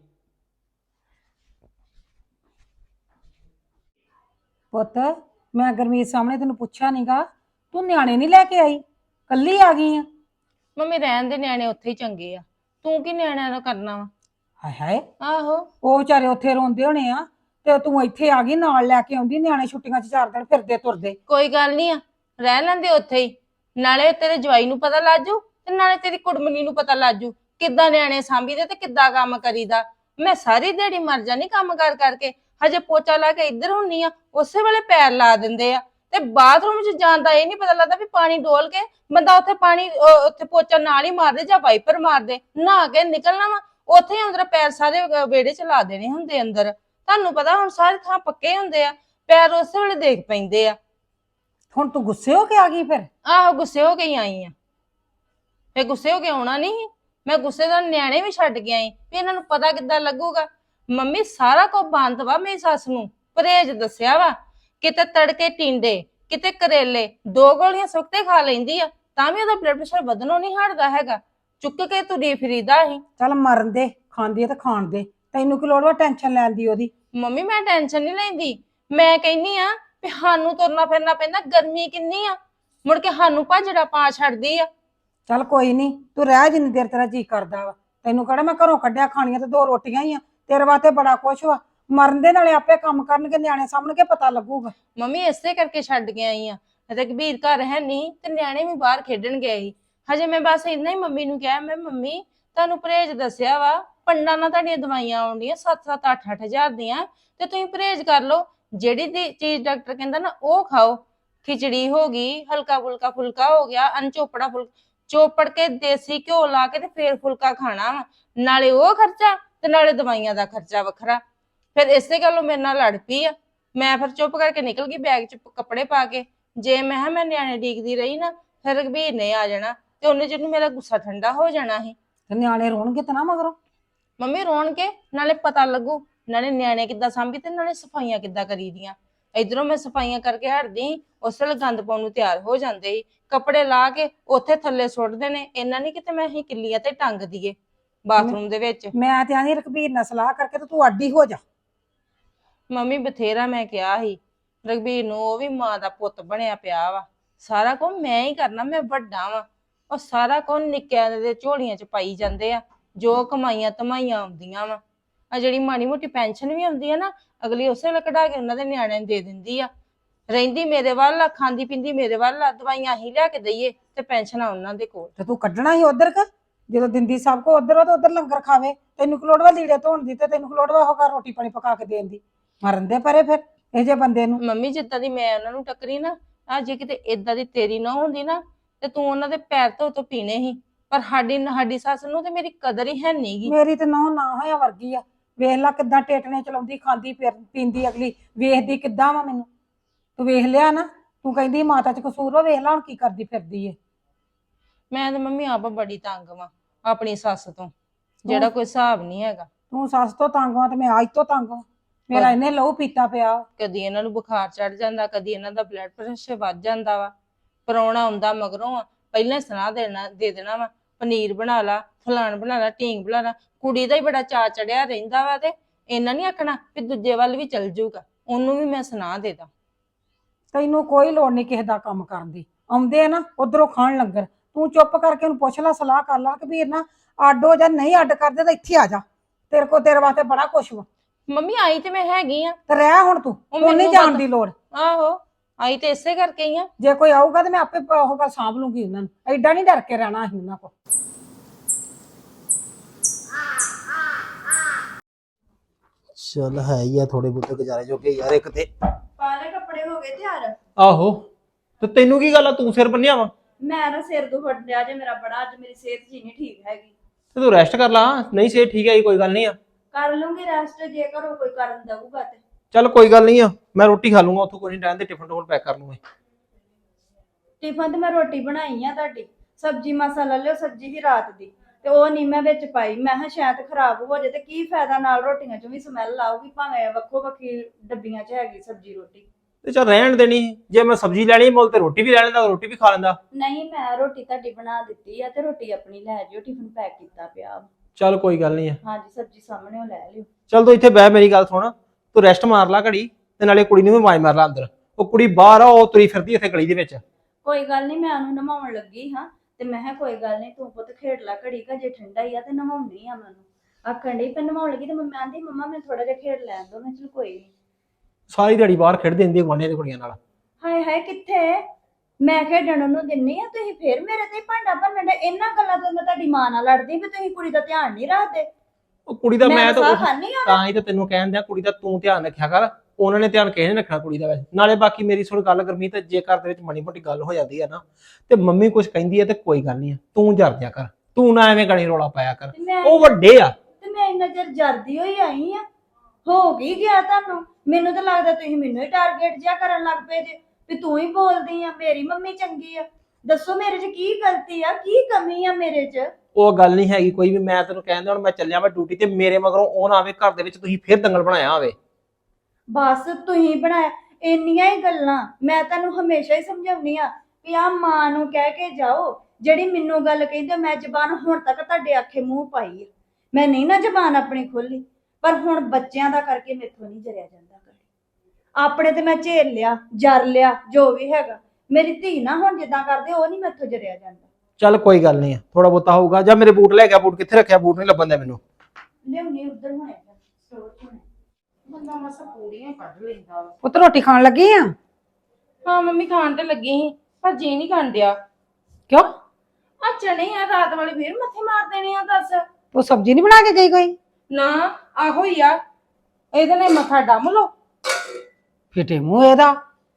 ਪੁੱਤ ਮੈਂ ਗੁਰਮੀਤ ਸਾਹਮਣੇ ਤੈਨੂੰ ਪੁੱਛਿਆ ਨੀਗਾ, ਤੂੰ ਨਿਆਣੇ ਨਹੀਂ ਲੈ ਕੇ ਆਈ, ਕੱਲੀ ਆ ਗਈ ਆ?
ਮੰਮੀ ਰਹਿਣ ਦੇ, ਨਿਆਣੇ ਉੱਥੇ ਹੀ ਚੰਗੇ ਆ, ਤੂੰ ਕੀ ਨਿਆਣਿਆਂ ਦਾ ਕਰਨਾ ਵਾ?
ਹਾਏ ਹਾਏ
ਆਹੋ
ਉਹ ਵਿਚਾਰੇ ਉੱਥੇ ਰੋਂਦੇ ਹੋਣੇ ਆ ਤੇ ਤੂੰ ਇੱਥੇ ਆ ਗਈ ਨਾਲ ਲੈ ਕੇ ਆਉਂਦੀ ਨਿਆਣੇ ਛੁੱਟੀਆਂ 'ਚ ਚਾਰ ਦਿਨ ਫਿਰਦੇ ਤੁਰਦੇ।
ਕੋਈ ਗੱਲ ਨਹੀਂ ਆ, ਰਹਿ ਲੈਂਦੇ ਉੱਥੇ ਹੀ, ਨਾਲੇ ਤੇਰੇ ਜਵਾਈ ਨੂੰ ਪਤਾ ਲੱਜੂ ਤੇ ਨਾਲੇ ਤੇਰੀ ਕੁੜਮਣੀ ਨੂੰ ਪਤਾ ਲੱਜੂ ਕਿੱਦਾਂ ਨਿਆਣੇ ਸਾਂਭੀਦੇ ਤੇ ਕਿੱਦਾਂ ਕੰਮ ਕਰੀਦਾ। ਮੈਂ ਸਾਰੀ ਦਿਹਾੜੀ ਮਰ ਜਾਣੀ ਕੰਮ ਕਰ ਕਰਕੇ, ਹਜੇ ਪੋਚਾ ਲਾ ਕੇ ਇੱਧਰ ਹੁੰਨੀ ਆ, ਉਸੇ ਵੇਲੇ ਪੈਰ ਲਾ ਦਿੰਦੇ ਆ ਤੇ ਬਾਥਰੂਮ 'ਚ ਜਾਣ ਦਾ ਇਹ ਨਹੀਂ ਪਤਾ ਲੱਗਦਾ ਵੀ ਪਾਣੀ ਡੋਲ ਕੇ ਬੰਦਾ ਉੱਥੇ ਪਾਣੀ ਅਹ ਉੱਥੇ ਪੋਚਾ ਨਾਲ ਹੀ ਮਾਰਦੇ ਜਾਂ ਵਾਈਪਰ ਮਾਰਦੇ, ਨਹਾ ਕੇ ਨਿਕਲਣਾ ਵਾ ਉੱਥੇ ਹੀ ਅੰਦਰ ਪੈਰ ਸਾਰੇ ਵਿਹੜੇ 'ਚ ਲਾ ਦੇਣੇ ਹੁੰਦੇ ਅੰਦਰ। ਤੁਹਾਨੂੰ ਪਤਾ ਹੁਣ ਸਾਰੇ ਥਾਂ ਪੱਕੇ ਹੁੰਦੇ ਆ, ਪੈਰ ਉਸੇ ਵੇਲੇ ਦੇਖ ਪੈਂਦੇ ਆ।
ਹੁਣ ਤੂੰ ਗੁੱਸੇ ਹੋ ਕੇ ਆ ਗਈ ਫਿਰ?
ਆਹੋ ਗੁੱਸੇ ਹੋ ਕੇ ਹੀ ਆਈ ਆ, ਫੇ ਗੁੱਸੇ ਹੋ ਕੇ ਆਉਣਾ ਨਹੀਂ, ਮੈਂ ਗੁੱਸੇ ਦਾ ਨਿਆਣੇ ਵੀ ਛੱਡ ਕੇ ਆਈ ਵੀ ਇਹਨਾਂ ਨੂੰ ਪਤਾ ਕਿੱਦਾਂ ਲੱਗੂਗਾ। ਮੰਮੀ ਸਾਰਾ ਕੁਝ ਬੰਦ ਵਾ, ਮੇਰੀ ਸੱਸ ਨੂੰ ਪਰਹੇਜ ਦੱਸਿਆ ਵਾ, ਕਿਤੇ ਤੜਕੇ ਟਿੰਡੇ ਕਿਤੇ ਕਰੇਲੇ, ਦੋ ਗੋਲੀਆਂ ਸੁੱਕਤੇ ਖਾ ਲੈਂਦੀ ਆ ਤਾਂ ਵੀ ਉਹਦਾ ਬਲੱਡ ਪ੍ਰੈਸ਼ਰ ਵਧਣੋਂ ਨਹੀਂ ਹਟਦਾ ਹੈਗਾ, ਚੁੱਕ ਕੇ ਤੁਰੀ ਫਿਰੀਦਾ ਹੀ।
ਚੱਲ ਮਰਨ ਦੇ, ਖਾਂਦੀ ਆ ਤੇ ਖਾਣ ਦੇ, ਤੈਨੂੰ ਕੀ ਲੋੜ ਵਾ ਟੈਨਸ਼ਨ ਲੈਣ ਦੀ ਉਹਦੀ?
ਮੰਮੀ ਮੈਂ ਟੈਨਸ਼ਨ ਨਹੀਂ ਲੈਂਦੀ, ਮੈਂ ਕਹਿੰਨੀ ਆ ਵੀ ਸਾਨੂੰ ਤੁਰਨਾ ਫਿਰਨਾ ਪੈਂਦਾ, ਗਰਮੀ ਕਿੰਨੀ ਆ, ਮੁੜ ਕੇ ਸਾਨੂੰ ਭਾਜੜਾ ਪਾ ਛੱਡਦੀ ਆ।
ਚੱਲ ਕੋਈ ਨਹੀਂ, ਤੂੰ ਰਹਿ ਜਿੰਨੀ ਦੇਰ ਤੇਰਾ ਜੀ ਕਰਦਾ ਵਾ, ਤੈਨੂੰ ਕਿਹੜਾ ਮੈਂ ਘਰੋਂ ਕੱਢਿਆ, ਖਾਣੀਆਂ ਤੇ ਦੋ ਰੋਟੀਆਂ ਹੀ ਆ, ਤੇਰੇ ਵਾਸਤੇ ਬੜਾ ਕੁਛ ਵਾ। ਮਰਨ ਦੇ ਨਾਲੇ ਆਪੇ ਕੰਮ ਕਰਨਗੇ, ਨਿਆਣੇ ਸਾਹਮਣੇ ਪਤਾ ਲੱਗੂਗਾ।
ਮੰਮੀ ਇਸੇ ਕਰਕੇ ਛੱਡ ਕੇ ਆਈ ਆ, ਰਘਬੀਰ ਘਰ ਹੈ ਨਹੀਂ ਤੇ ਨਿਆਣੇ ਵੀ ਬਾਹਰ ਖੇਡਣ ਗਏ ਸੀ। ਹਜੇ ਮੈਂ ਬਸ ਇੰਨਾ ਹੀ ਮੰਮੀ ਨੂੰ ਕਿਹਾ, ਮੈਂ ਮੰਮੀ ਤੁਹਾਨੂੰ ਪਰਹੇਜ ਦੱਸਿਆ ਵਾ, ਪੰਡਾਂ ਨਾਲ ਤੁਹਾਡੀਆਂ ਦਵਾਈਆਂ ਆਉਂਦੀਆਂ ਸੱਤ ਸੱਤ ਅੱਠ ਅੱਠ ਹਜ਼ਾਰ ਦੀਆਂ, ਤੇ ਤੁਸੀਂ ਪਰਹੇਜ ਕਰ ਲਓ, ਜਿਹੜੀ ਦੀ ਚੀਜ਼ ਡਾਕਟਰ ਕਹਿੰਦਾ ਨਾ ਉਹ ਖਾਓ। ਖਿਚੜੀ ਹੋ ਗਈ, ਹਲਕਾ ਫੁਲਕਾ ਫੁਲਕਾ ਹੋ ਗਿਆ, ਅਨਚੋਪੜਾ ਫੁਲਕਾ ਚੋਪੜ ਕੇ ਦੇਸੀ ਘਿਓ ਲਾ ਕੇ ਤੇ ਫੇਰ ਫੁਲਕਾ ਖਾਣਾ ਵਾ, ਨਾਲੇ ਉਹ ਖਰਚਾ ਤੇ ਨਾਲੇ ਦਵਾਈਆਂ ਦਾ ਖਰਚਾ ਵੱਖਰਾ। ਫਿਰ ਇਸੇ ਗੱਲੋਂ ਮੇਰੇ ਨਾਲ ਲੜ ਪਈ ਆ, ਮੈਂ ਫਿਰ ਚੁੱਪ ਕਰਕੇ ਨਿਕਲ ਗਈ ਬੈਗ 'ਚ ਕੱਪੜੇ ਪਾ ਕੇ। ਜੇ ਮੈਂ ਕਿਹਾ ਮੈਂ ਨਿਆਣੇ ਡੀਕਦੀ ਰਹੀ ਨਾ, ਫਿਰ ਰਘਬੀਰ ਨੇ ਆ ਜਾਣਾ ਤੇ ਉਹਨੇ ਜਿਹਨੂੰ ਮੇਰਾ ਗੁੱਸਾ ਠੰਡਾ ਹੋ ਜਾਣਾ ਸੀ।
ਤੇ ਨਿਆਣੇ ਰੋਣਗੇ ਤਾਂ ਨਾ ਮਗਰੋਂ?
ਮੰਮੀ ਰੋਣ ਕੇ ਨਾਲੇ ਪਤਾ ਲੱਗੂ, ਨਾਲੇ ਨਿਆਣੇ ਕਿੱਦਾਂ ਸਾਂਭੀ ਤੇ ਨਾਲੇ ਸਫਾਈਆਂ ਕਿੱਦਾਂ ਕਰੀਦੀਆਂ। ਇਧਰੋਂ ਮੈਂ ਸਫਾਈਆਂ ਕਰਕੇ ਹਟਦੀ, ਉਸ ਵੇਲੇ ਗੰਦ ਪਾਉਣ ਨੂੰ ਤਿਆਰ ਹੋ ਜਾਂਦੇ ਸੀ, ਕੱਪੜੇ ਲਾ ਕੇ ਉੱਥੇ ਥੱਲੇ ਸੁੱਟਦੇ ਨੇ। ਇਹਨਾਂ ਨਹੀਂ ਕਿਤੇ ਮੈਂ ਅਸੀਂ ਕਿੱਲੀਆਂ ਤੇ ਟੰਗ ਦਈਏ ਬਾਥਰੂਮ ਦੇ ਵਿੱਚ।
ਮੈਂ ਤੇ ਆਂਦੀ ਰਘਬੀਰ ਨਾਲ ਸਲਾਹ ਕਰਕੇ ਤੇ ਤੂੰ ਅੱਡੀ ਹੋ ਜਾ।
ਮੰਮੀ ਬਥੇਰਾ ਮੈਂ ਕਿਹਾ ਸੀ ਰਘਬੀਰ ਨੂੰ, ਉਹ ਵੀ ਮਾਂ ਦਾ ਪੁੱਤ ਬਣਿਆ ਪਿਆ ਵਾ, ਸਾਰਾ ਕੁਝ ਮੈਂ ਹੀ ਕਰਨਾ, ਮੈਂ ਵੱਡਾ ਵਾ, ਉਹ ਸਾਰਾ ਕੁਝ ਨਿੱਕਿਆਂ ਦੇ ਝੋਲੀਆਂ 'ਚ ਪਾਈ ਜਾਂਦੇ ਆ, ਜੋ ਕਮਾਈਆਂ ਧਮਾਈਆਂ ਆਉਂਦੀਆਂ ਵਾ। ਆ ਜਿਹੜੀ ਮਾੜੀ ਮੋਟੀ ਪੈਨਸ਼ਨ ਵੀ ਆਉਂਦੀ ਆ ਨਾ, ਅਗਲੀ ਉਸੇ ਵੇਲੇ ਕਢਾ ਕੇ ਉਹਨਾਂ ਦੇ ਨਿਆਣਿਆਂ ਨੂੰ ਦੇ ਦਿੰਦੀ ਆ। ਰਹਿੰਦੀ ਮੇਰੇ ਵੱਲ ਆ, ਖਾਂਦੀ ਪੀਂਦੀ ਮੇਰੇ ਵੱਲ ਆ, ਦਵਾਈਆਂ ਹੀ ਲਿਆ ਕੇ ਦਈਏ ਤੇ ਪੈਨਸ਼ਨਾਂ ਉਹਨਾਂ ਦੇ ਕੋਲ।
ਤੇ ਤੂੰ ਕੱਢਣਾ ਹੀ ਉਧਰ ਕ ਜਦੋਂ ਦਿੰਦੀ ਸਭ ਕੋ ਉਧਰ ਉਹ ਤੇ ਉਧਰ ਲੰਗਰ ਖਾਵੇ, ਤੈਨੂੰ ਕੀ ਲੋੜ ਵਾ ਲੀੜੇ ਧੋਣ ਦੀ ਤੇ ਤੈਨੂੰ ਕੀ ਲੋੜ ਵਾ ਉਹ ਘਰ ਰੋਟੀ ਪਾਣੀ ਪਕਾ ਕੇ ਦੇਣ ਦੀ? ਮਰਨ ਦੇ ਪਰੇ ਫਿਰ ਇਹ ਜੇ ਬੰਦੇ ਨੂੰ।
ਮੰਮੀ ਜਿੱਦਾਂ ਦੀ ਮੈਂ ਉਹਨਾਂ ਨੂੰ ਟੱਕਰੀ ਨਾ, ਆ ਜੇ ਕਿਤੇ ਏਦਾਂ ਦੀ ਤੇਰੀ ਨਾ ਹੁੰਦੀ ਨਾ ਤੇ ਤੂੰ ਉਹਨਾਂ ਦੇ ਪੈਰ ਧੋ ਤੋਂ ਪੀਣੇ ਸੀ, ਪਰ ਸਾਡੀ ਸਾਡੀ ਸੱਸ ਨੂੰ ਤੇ ਮੇਰੀ ਕਦਰ ਹੀ ਹੈ ਨੀ ਗੀ।
ਮੇਰੀ ਤੇ ਨਹੁੰ ਨਾ ਹੋਇਆ ਵਰਗੀ ਆ, ਵੇਖ ਲੈ ਕਿੱਦਾਂ ਟੇਟਣੇ ਚਲਾਉਂਦੀ, ਖਾਂਦੀ ਫਿਰ ਪੀਂਦੀ, ਅਗਲੀ ਵੇਖਦੀ ਕਿੱਦਾਂ ਵਾ ਮੈਨੂੰ। ਤੂੰ ਵੇਖ ਲਿਆ ਨਾ, ਤੂੰ ਕਹਿੰਦੀ ਮਾਤਾ 'ਚ ਕਸੂਰ ਵਾ, ਵੇਖ ਲਾ ਹੁਣ ਕੀ ਕਰਦੀ ਫਿਰਦੀ ਏ।
ਮੈਂ ਤੇ ਮੰਮੀ ਆਪ ਬੜੀ ਤੰਗ ਵਾਂ ਆਪਣੀ ਸੱਸ ਤੋਂ, ਜਿਹੜਾ ਕੋਈ ਹਿਸਾਬ ਨਹੀਂ ਹੈਗਾ।
ਤੂੰ ਸੱਸ ਤੋਂ ਤੰਗ ਵਾ ਤੇ ਮੈਂ ਅੱਜ ਤੋਂ ਤੰਗ ਵਾ, ਮੇਰਾ ਇਹਨੇ ਲਹੂ ਪੀਤਾ ਪਿਆ।
ਕਦੀ ਇਹਨਾਂ ਨੂੰ ਬੁਖਾਰ ਚੜ ਜਾਂਦਾ, ਕਦੀ ਇਹਨਾਂ ਦਾ ਬਲੱਡ ਪ੍ਰੈਸ਼ਰ ਵੱਧ ਜਾਂਦਾ ਵਾ। ਪਰੌਣਾ ਆਉਂਦਾ ਮਗਰੋਂ ਆ, ਪਹਿਲਾਂ ਸੁਣਾ ਦੇਣਾ ਦੇ ਦੇਣਾ ਵਾ, ਪਨੀਰ ਬਣਾ ਲਾ, ਫਲਾਣ ਬਣਾ ਲਾ, ਢੀਂਗ ਬਣਾ ਲਾ। ਕੁੜੀ ਦਾ ਹੀ ਬੜਾ ਚਾਅ ਚੜਿਆ ਰਹਿੰਦਾ ਵਾ, ਤੇ ਇਹਨਾਂ ਨੀ ਆਖਣਾ ਵੀ ਦੂਜੇ ਵੱਲ ਵੀ ਚੱਲ ਜਾਊਗਾ, ਉਹਨੂੰ ਵੀ ਮੈਂ ਸੁਣਾ ਦੇ ਦਾਂ।
ਤੈਨੂੰ ਕੋਈ ਲੋੜ ਨਹੀਂ ਕਿਸੇ ਦਾ ਕੰਮ ਕਰਨ ਦੀ, ਆਉਂਦੇ ਆ ਨਾ ਉਧਰੋਂ ਖਾਣ ਲੰਗਰ, ਤੂੰ ਚੁੱਪ ਕਰਕੇ ਉਹਨੂੰ ਪੁੱਛ ਲੈ, ਸਲਾਹ ਕਰ ਲਾ ਕਿ ਵੀਰ ਨਾ ਅੱਡ ਹੋ ਜਾ, ਨਹੀਂ ਅੱਡ ਕਰਦੇ ਤਾਂ ਇੱਥੇ ਆ ਜਾ, ਤੇਰੇ ਕੋ ਤੇਰੇ ਵਾਸਤੇ ਬੜਾ ਕੁਛ ਵਾ।
ਮੰਮੀ ਆਈ ਤੇ ਮੈਂ ਹੈਗੀ ਆ,
ਤੇ ਰਹਿ ਹੁਣ ਤੂੰ, ਤੂੰ ਨਹੀਂ ਜਾਣ ਦੀ ਲੋੜ।
ਆਹੋ ਆਈ ਤੇ ਇਸੇ ਕਰਕੇ ਹੀ ਆ।
ਜੇ ਕੋਈ ਆਊਗਾ ਤੇ ਮੈਂ ਆਪੇ ਉਹ ਗੱਲ ਸਾਂਭ ਲੂੰਗੀ ਉਹਨਾਂ ਨੂੰ, ਐਡਾ ਨਹੀਂ ਡਰ ਕੇ ਰਹਿਣਾ ਅਸੀਂ ਉਹਨਾਂ ਕੋਲ।
ਚੱਲ ਹੈ ਹੀ ਆ ਥੋੜੇ ਬਹੁਤੇ ਗੁਜ਼ਾਰੇ ਜੋਗੇ ਯਾਰ। ਇੱਕ ਤੇ
ਪਾਲੇ ਕੱਪੜੇ ਹੋ ਗਏ ਤਿਆਰ?
ਆਹੋ, ਤੇ ਤੈਨੂੰ ਕੀ ਗੱਲ ਆ, ਤੂੰ ਸਿਰ ਬੰਨਿਆ ਵਾ?
ਮੈਂ ਨਾ ਸਿਰ ਦੁਖਣ ਡਿਆ ਜੇ ਮੇਰਾ ਬੜਾ, ਅੱਜ ਮੇਰੀ ਸਿਹਤ ਜੀ ਨਹੀਂ ਠੀਕ ਹੈਗੀ।
ਤੇ ਤੂੰ ਰੈਸਟ ਕਰ ਲਾ, ਨਹੀਂ ਸਿਹਤ ਠੀਕ ਹੈ ਕੋਈ ਗੱਲ ਨਹੀਂ ਆ।
ਕਰ ਲੂੰਗੀ ਰੈਸਟ, ਜੇ ਘਰੋਂ ਕੋਈ ਕਰਨ ਦਊਗਾ ਤੇ।
ਚੱਲ ਕੋਈ ਗੱਲ ਨਹੀਂ ਆ, ਮੈਂ ਰੋਟੀ ਖਾ ਲੂੰਗਾ ਉੱਥੋਂ, ਕੋਈ ਨਹੀਂ ਰਹਿਣ ਦੇ, ਟਿਫਨ ਟੋਲ ਪੈਕ ਕਰ ਲੂੰਗਾ।
ਟਿਫਨ ਤੇ ਮੈਂ ਰੋਟੀ ਬਣਾਈ ਆ ਤੁਹਾਡੀ, ਸਬਜੀ ਮਸਾਲਾ ਲਿਓ, ਸਬਜੀ ਵੀ ਰਾਤ ਦੀ, ਤੇ ਉਹ ਨਹੀਂ ਮੈਂ ਵਿੱਚ ਪਾਈ। ਮੈਂ ਕਿਹਾ ਸ਼ਾਇਦ ਖਰਾਬ ਹੋ ਜਾਏ ਤੇ ਕੀ ਫਾਇਦਾ, ਨਾਲ ਰੋਟੀਆਂ ਚੋਂ ਵੀ ਸਮੈਲ ਆਊਗੀ, ਭਾਵੇਂ ਵੱਖੋ ਵੱਖੀ ਡੱਬੀਆਂ 'ਚ ਹੈਗੀ ਸਬਜੀ ਰੋਟੀ।
ਤੇ ਚੱਲ ਰਹਿਣ ਦੇਣੀ, ਜੇ ਮੈਂ ਸਬਜ਼ੀ ਲੈਣੀ ਮੁੱਲ ਤੇ ਰੋਟੀ ਵੀ ਲੈ ਲੈਂਦਾ, ਰੋਟੀ ਵੀ ਖਾ ਲੈਂਦਾ।
ਨਹੀਂ, ਮੈਂ ਰੋਟੀ ਤੁਹਾਡੀ ਬਣਾ ਦਿੱਤੀ ਆ ਤੇ ਰੋਟੀ ਆਪਣੀ ਲੈ ਜਿਓ, ਟਿਫਨ ਪੈਕ ਕੀਤਾ ਪਿਆ।
ਚੱਲ ਕੋਈ ਗੱਲ ਨਹੀਂ ਆ।
ਹਾਂਜੀ, ਸਬਜੀ ਸਾਹਮਣੇ ਉਹ ਲੈ ਲਿਓ।
ਚੱਲ ਤੂੰ ਇੱਥੇ ਬਹਿ, ਮੇਰੀ ਗੱਲ ਸੁਣ, ਤੂੰ ਰੈਸਟ ਮਾਰ ਲਾ ਘੜੀ, ਤੇ ਨਾਲੇ ਕੁੜੀ ਨੂੰ ਵੀ ਆਵਾਜ਼ ਮਾਰ ਲਾ ਅੰਦਰ। ਉਹ ਕੁੜੀ ਬਾਹਰ ਆ, ਉਹ ਤੁਰੀ ਫਿਰਦੀ ਇੱਥੇ ਗਲੀ ਦੇ ਵਿੱਚ।
ਕੋਈ ਗੱਲ ਨਹੀਂ, ਮੈਂ ਉਹਨੂੰ ਨਵਾਉਣ ਲੱਗੀ ਹਾਂ, ਤੇ ਮੈਂ ਕਿਹਾ ਕੋਈ ਗੱਲ ਨਹੀਂ, ਤੂੰ ਪੁੱਤ ਖੇਡ ਲੈ ਘੜੀ, ਕਾ ਜੇ ਠੰਡਾ ਹੀ ਆ ਤੇ ਨਵਾਉਣੀ ਆ ਮੈਨੂੰ। ਆਖਣ ਡਈ ਪਰ ਨਵਾਉਣ ਲੱਗੀ ਤੇ ਮੰਮੀ ਆਂਦੀ ਮੰਮਾ ਮੈਂ ਥੋੜਾ ਜਿਹਾ ਖੇਡ ਲੈਣ ਦੋ। ਮੈਂ ਚਲ ਕੋਈ ਨਹੀਂ।
ਸਾਰੀ ਦਿਹਾੜੀ ਬਾਹਰ ਖੇਡਦੇ ਹੁੰਦੀ ਗੁਆਂਢੀਆਂ ਦੀ ਕੁੜੀਆਂ ਨਾਲ।
ਹਾਏ ਹਾਏ ਕਿੱਥੇ ਮੈਂ ਖੇਡਣ ਨੂੰ ਦਿੰਨੀ ਆ, ਤੁਸੀਂ ਫੇਰ ਮੇਰੇ ਤੇ ਹੀ ਭਾਂਡਾ ਭੰਨਣ ਦੇ। ਇਹਨਾਂ ਗੱਲਾਂ ਤੋਂ ਮੈਂ ਤੁਹਾਡੀ ਮਾਂ ਨਾਲ ਲੜਦੀ ਵੀ ਤੁਸੀਂ ਕੁੜੀ ਦਾ ਧਿਆਨ ਨਹੀਂ ਰੱਖਦੇ।
ਉਹ ਕੁੜੀ ਦਾ ਮੈਂ ਤਾਂ
ਖਾਣੀ ਆ
ਤਾਂ ਹੀ ਤਾਂ ਤੈਨੂੰ ਕਹਿਣ ਦਿਆ ਕੁੜੀ ਦਾ ਤੂੰ ਧਿਆਨ ਰੱਖਿਆ ਕਰ। ਉਹਨਾਂ ਨੇ ਧਿਆਨ ਕਿਸੇ ਨੇ ਰੱਖਣਾ ਕੁੜੀ ਦਾ ਵੈਸੇ। ਨਾਲੇ ਬਾਕੀ ਮੇਰੀ ਸੁਣ ਗੱਲ ਗੁਰਮੀਤ, ਜੇ ਘਰ ਦੇ ਵਿੱਚ ਮਾੜੀ ਮੋਟੀ ਗੱਲ ਹੋ ਜਾਂਦੀ ਹੈ ਨਾ ਤੇ ਮੰਮੀ ਕੁਝ ਕਹਿੰਦੀ ਹੈ ਤੇ ਕੋਈ ਗੱਲ ਨਹੀਂ, ਤੂੰ ਜਰ ਦਿਆ ਕਰ, ਤੂੰ ਨਾ ਐਵੇਂ ਗਾਲੀ ਰੋਲਾ ਪਾਇਆ ਕਰ। ਉਹ ਵੱਡੇ ਆ
ਤੇ ਮੈਂ ਇੰਨਾ ਚਿਰ ਜਰਦੀ ਹੋਈ ਆਈ ਆ। ਹੋ ਗਈ ਗਿਆ ਤੁਹਾਨੂੰ? ਮੈਨੂੰ ਤਾਂ ਲੱਗਦਾ ਤੁਸੀਂ ਮੈਨੂੰ ਹੀ ਟਾਰਗੇਟ ਜਿਆ ਕਰਨ ਲੱਗ ਪਏ ਜੇ ਵੀ ਤੂੰ ਹੀ ਬੋਲਦੀ ਆ, ਮੇਰੀ ਮੰਮੀ ਚੰਗੀ ਆ। ਦੱਸੋ ਮੇਰੇ 'ਚ ਕੀ ਗਲਤੀ ਆ, ਕੀ ਕਮੀ ਆ ਮੇਰੇ 'ਚ?
ਉਹ ਗੱਲ ਨਹੀਂ ਹੈਗੀ ਕੋਈ ਵੀ। ਮੈਂ ਤੈਨੂੰ ਕਹਿੰਦਾ ਹੁਣ ਮੈਂ ਚੱਲਿਆ ਮੈਂ ਡਿਊਟੀ ਤੇ, ਮੇਰੇ ਮਗਰੋਂ ਉਹ ਨਾ ਆਵੇ ਘਰ ਦੇ ਵਿੱਚ ਤੁਸੀਂ ਫੇਰ ਦੰਗਲ ਬਣਾਇਆ ਹੋਵੇ।
ਬਸ ਤੁਸੀਂ ਬਣਾਇਆ ਇੰਨੀਆਂ ਹੀ ਗੱਲਾਂ। ਮੈਂ ਤੁਹਾਨੂੰ ਹਮੇਸ਼ਾ ਹੀ ਸਮਝਾਉਣੀ ਆ ਵੀ ਆ ਮਾਂ ਨੂੰ ਕਹਿ ਕੇ ਜਾਓ ਜਿਹੜੀ ਮੈਨੂੰ ਗੱਲ ਕਹਿੰਦੇ। ਮੈਂ ਜ਼ਬਾਨ ਹੁਣ ਤੱਕ ਤੁਹਾਡੇ ਆਖੇ ਮੂੰਹ ਪਾਈ ਆ, ਮੈਂ ਨਹੀਂ ਨਾ ਜ਼ਬਾਨ ਆਪਣੀ ਖੋਲੀ, ਪਰ ਹੁਣ ਬੱਚਿਆਂ ਦਾ ਕਰਕੇ ਮੈਥੋਂ ਨਹੀਂ ਜਰਿਆ ਜਾਂਦਾ। ਆਪਣੇ ਤੇ ਮੈਂ ਝੇਲ ਲਿਆ, ਜਰ ਲਿਆ, ਜੋ ਵੀ ਹੈਗਾ। ਮੇਰੀ ਧੀ ਨਾ ਹੁਣ ਜਿੱਦਾਂ ਕਰਦੇ ਉਹ ਨਹੀਂ ਮੈਥੋਂ ਜਰਿਆ ਜਾਂਦਾ।
ਚੱਲ ਕੋਈ ਗੱਲ ਨਹੀਂ, ਥੋੜਾ ਬਹੁਤਾ ਹੋਊਗਾ। ਜਾਂ ਮੇਰੇ ਬੂਟ ਲੈ ਗਿਆ, ਬੂਟ ਕਿੱਥੇ ਰੱਖਿਆ? ਬੂਟ ਨਹੀਂ ਲੱਭਣ ਦਿਆ ਮੈਨੂੰ।
ਲਿਆਉਣੀ ਉਧਰ ਹੋਣੇ ਸਟੋਰ 'ਚ ਹੋਣੇ।
ਬੰਦਾ ਮਸਾ ਪੂੜੀਆਂ ਕੱਢ ਲੈਂਦਾ ਵਾ।
ਪੁੱਤ ਰੋਟੀ ਖਾਣ ਲੱਗੀ ਆ?
ਹਾਂ ਮੰਮੀ ਖਾਣ ਤੇ ਲੱਗੀ ਸੀ ਪਰ ਜੀ ਨਹੀਂ ਖਾਣ ਡਿਆ।
ਕਿਉਂ?
ਆ ਚਣੇ ਆ ਰਾਤ ਵਾਲੇ ਫੇਰ ਮੱਥੇ ਮਾਰ ਦੇਣੇ ਆ। ਦੱਸ
ਤੂੰ ਸਬਜ਼ੀ ਨਹੀਂ ਬਣਾ ਕੇ ਗਈ ਕੋਈ?
ਨਾ ਆਹੋ ਹੀ ਆ, ਇਹਦੇ ਨਾਲ ਮੱਥਾ ਡੰਮ ਲੋ।
ਫਿੱਟੇ ਮੂੰਹ ਇਹਦਾ।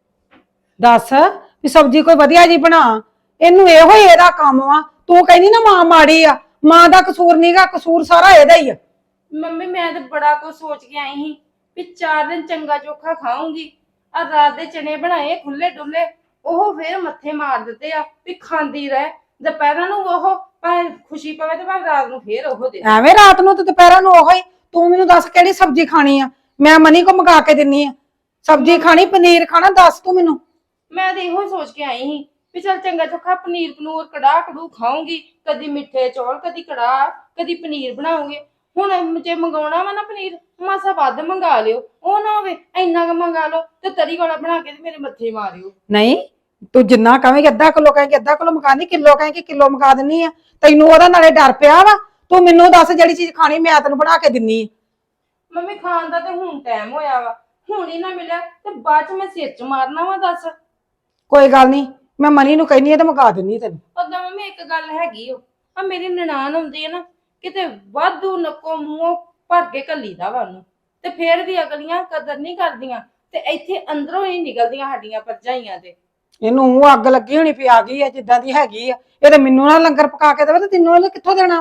ਦੱਸ ਵੀ ਸਬਜ਼ੀ ਕੋਈ ਵਧੀਆ ਜੀ ਬਣਾ। ਇਹਨੂੰ ਇਹੋ ਹੀ ਇਹਦਾ ਕੰਮ ਵਾ। ਤੂੰ ਕਹਿੰਦੀ ਨਾ ਮਾਂ ਮਾੜੀ ਆ, ਮਾਂ ਦਾ ਕਸੂਰ ਨਹੀਂਗਾ, ਕਸੂਰ ਸਾਰਾ ਇਹਦਾ ਹੀ ਆ।
ਮੰਮੀ ਮੈਂ ਤੇ ਬੜਾ ਕੁਝ ਸੋਚ ਕੇ ਆਈ ਸੀ ਵੀ ਚਾਰ ਦਿਨ ਚੰਗਾ ਚੋਖਾ ਖਾਉਂਗੀ। ਆ ਰਾਤ ਦੇ ਚਨੇ ਬਣਾਏ ਖੁੱਲੇ ਡੁੱਲੇ, ਉਹ ਫੇਰ ਮੱਥੇ ਮਾਰ ਦਿੱਤੇ ਆ ਵੀ ਖਾਂਦੀ ਰਹਿ। ਦੁਪਹਿਰਾਂ ਨੂੰ ਉਹ ਭਾਵੇਂ ਖੁਸ਼ੀ ਪਵੇ ਤੇ ਭਾਵੇਂ ਰਾਤ ਨੂੰ ਫੇਰ ਉਹ ਦੇ।
ਐਵੇਂ ਰਾਤ ਨੂੰ ਤੇ ਦੁਪਹਿਰਾਂ ਨੂੰ ਉਹੋ ਹੀ। ਤੂੰ ਮੈਨੂੰ ਦੱਸ ਕਿਹੜੀ ਸਬਜ਼ੀ ਖਾਣੀ ਆ? ਮੈਂ ਮਨੀ ਕੋ ਮੰਗਾ ਕੇ ਦਿੰਨੀ ਆ। ਸਬਜ਼ੀ ਖਾਣੀ, ਪਨੀਰ ਖਾਣਾ, ਦੱਸ ਤੂੰ ਮੈਨੂੰ।
ਮੈਂ ਤੇ ਇਹੋ ਸੋਚ ਕੇ ਆਈ ਸੀ ਵੀ ਚੱਲ ਚੰਗਾ ਚੋਖਾ ਪਨੀਰ ਪਨੂਰ ਕੜਾਹ ਕੜੂ ਖਾਉਂਗੀ। ਕਦੀ ਮਿੱਠੇ ਚੌਲ, ਕਦੀ ਕੜਾਹ, ਕਦੀ ਪਨੀਰ ਬਣਾਉਂਗੇ। ਹੁਣ ਜੇ ਮੰਗਾਉਣਾ ਵਾ ਨਾ ਪਨੀਰ, ਮਾਸਾ ਵੱਧ ਮੰਗਾ ਲਿਓ। ਉਹ ਨਾ ਹੋਵੇ ਇੰਨਾ ਕੁ ਮੰਗਾ ਲਓ ਤੇ ਤਰੀ ਵਾਲਾ ਬਣਾ ਕੇ ਤੇ ਮੇਰੇ ਮੱਥੇ ਮਾਰਿਓ।
ਨਹੀਂ, ਤੂੰ ਜਿੰਨਾ ਕਹੇਂਗੀ ਅੱਧਾ ਕਿਲੋ ਕਹੇਂਗੀ ਅੱਧਾ ਕਿਲੋ ਮਕਾਨੀ, ਕਿਲੋ ਕਹੇਂਗੀ ਕਿਲੋ ਮਕਾ ਦਿੰਨੀ ਆ। ਤੈਨੂੰ ਉਹਦਾ ਨਾਲੇ ਡਰ ਪਿਆ ਵਾ। ਤੂੰ ਮੈਨੂੰ ਦੱਸ ਜਿਹੜੀ ਚੀਜ਼ ਖਾਣੀ ਮੈਂ ਤੈਨੂੰ ਬਣਾ ਕੇ ਦਿੰਨੀ ਆ।
ਮੰਮੀ ਖਾਣ ਦਾ ਤੇ ਹੁਣ ਟਾਈਮ ਹੋਇਆ ਵਾ, ਹੁਣ ਹੀ ਨਾ ਮਿਲਿਆ ਤੇ ਬਾਅਦ ਚ ਮੈਂ ਸਿਰ ਚ ਮਾਰਨਾ ਵਾ। ਦੱਸ
ਕੋਈ ਗੱਲ ਨਹੀਂ, ਮੈਂ ਮਨੀ ਨੂੰ ਕਹਿੰਨੀ ਆ ਤੇ ਮਕਾ ਦਿੰਨੀ ਤੈਨੂੰ।
ਓਦਾਂ ਮੰਮੀ ਇੱਕ ਗੱਲ ਹੈਗੀ ਓ, ਆ ਮੇਰੀ ਨਨਾਣ ਹੁੰਦੀ ਹੈ ਨਾ, ਕਿਤੇ ਵਾਧੂ ਨੱਕੋ ਮੂੰਹੋਂ ਭਰ ਕੇ ਘੱਲੀਦਾ ਵਾ ਉਹਨੂੰ, ਤੇ ਫੇਰ ਵੀ ਅਗਲੀਆਂ ਕਦਰ ਨਹੀਂ ਕਰਦੀਆਂ ਤੇ ਇੱਥੇ ਅੰਦਰੋਂ ਹੀ ਨਿਕਲਦੀਆਂ ਸਾਡੀਆਂ ਭਰਜਾਈਆਂ ਤੇ।
ਇਹਨੂੰ ਉਹ ਅੱਗ ਲੱਗੀ ਹੋਣੀ ਪਈ ਆ ਗਈ ਆ ਜਿੱਦਾਂ ਦੀ ਹੈਗੀ ਆ। ਇਹ ਤੇ ਮੈਨੂੰ ਨਾ ਲੰਗਰ ਪਕਾ ਕੇ ਦੇਵੇ ਤੇ ਤੈਨੂੰ ਇਹਨੇ ਕਿੱਥੋਂ ਦੇਣਾ?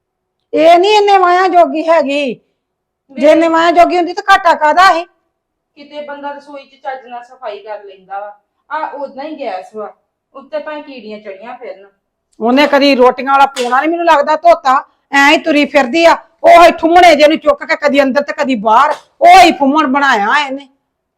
ਇਹ ਨਹੀਂ ਇਹਨੇ ਮਾਇਆ ਜੋਗੀ ਹੈਗੀ। ਜੇ ਇਹਨੇ ਮਾਇਆ ਜੋਗੀ ਹੁੰਦੀ ਤਾਂ ਘਾਟਾ ਕਾਦਾ ਸੀ?
ਕਿਤੇ ਬੰਦਾ ਰਸੋਈ ਚ ਚੱਜ ਨਾਲ ਸਫਾਈ ਕਰ ਲੈਂਦਾ ਵਾ। ਆ ਉਦਾਂ ਹੀ ਗੈਸ ਵਾ, ਉੱਤੇ ਭਾਵੇਂ ਕੀੜੀਆਂ ਚੜੀਆਂ ਫਿਰਨ।
ਉਹਨੇ ਕਦੀ ਰੋਟੀਆਂ ਵਾਲਾ ਪੂਣਾ ਨਹੀਂ ਮੈਨੂੰ ਲੱਗਦਾ ਧੋਤਾ। ਐ ਹੀ ਤੁਰੀ ਫਿਰਦੀ ਆ। ਉਹ ਹੀ ਠੁੰਮਣੇ ਜੇ ਨੂੰ ਚੁੱਕ ਕੇ ਕਦੀ ਅੰਦਰ ਤੇ ਕਦੀ ਬਾਹਰ, ਉਹ ਹੀ ਫੁੰਮਣ ਬਣਾਇਆ ਇਹਨੇ।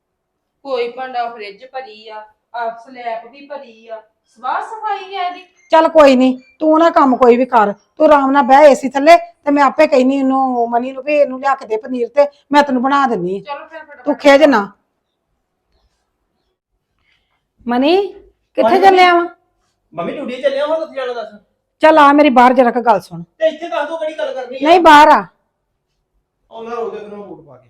ਕੋਈ ਭਾਂਡਾ ਫ੍ਰਿਜ ਭਰੀ ਆ, ਆ ਸਲੈਬ ਵੀ ਭਰੀ ਆ, ਸਵਾਹ ਸਫਾਈ ਆ ਇਹਦੀ।
ਚੱਲ ਕੋਈ ਨਹੀਂ, ਤੂੰ ਨਾ ਕੰਮ ਕੋਈ ਵੀ ਕਰ। ਤੂੰ ਆਰਾਮ ਨਾਲ ਬਹਿ ਏਸੀ ਥੱਲੇ ਤੇ ਮੈਂ ਆਪੇ ਕਹਿਨੀ ਇਹਨੂੰ ਮਨੀ ਨੂੰ ਵੀ ਇਹਨੂੰ ਲਿਆ ਕੇ ਦੇ ਪਨੀਰ ਤੇ ਮੈਂ ਤੈਨੂੰ ਬਣਾ ਦਿੰਨੀ ਆ।
ਚਲੋ ਫਿਰ ਫਟਾਫਟ।
ਤੂੰ ਖੇਜ ਨਾ। ਮਨੀ ਕਿੱਥੇ ਚੱਲਿਆ ਵਾ?
ਮੰਮੀ ਡਿਊਟੀ ਚੱਲਿਆ ਹੁਣ ਕਿੱਥੇ ਜਾਣਾ ਦੱਸ?
ਚੱਲ ਆ ਮੇਰੀ ਬਾਹਰ ਜਰਾ ਕ ਗੱਲ ਸੁਣ।
ਤੇ ਇੱਥੇ ਦੱਸ ਦੋ ਕਿਹੜੀ ਗੱਲ ਕਰਨੀ ਹੈ?
ਨਹੀਂ ਬਾਹਰ ਆ।
ਉਹ ਮੈਂ ਰੋਕ ਦੇ ਫਿਰ ਬੂਟ ਪਾ ਕੇ।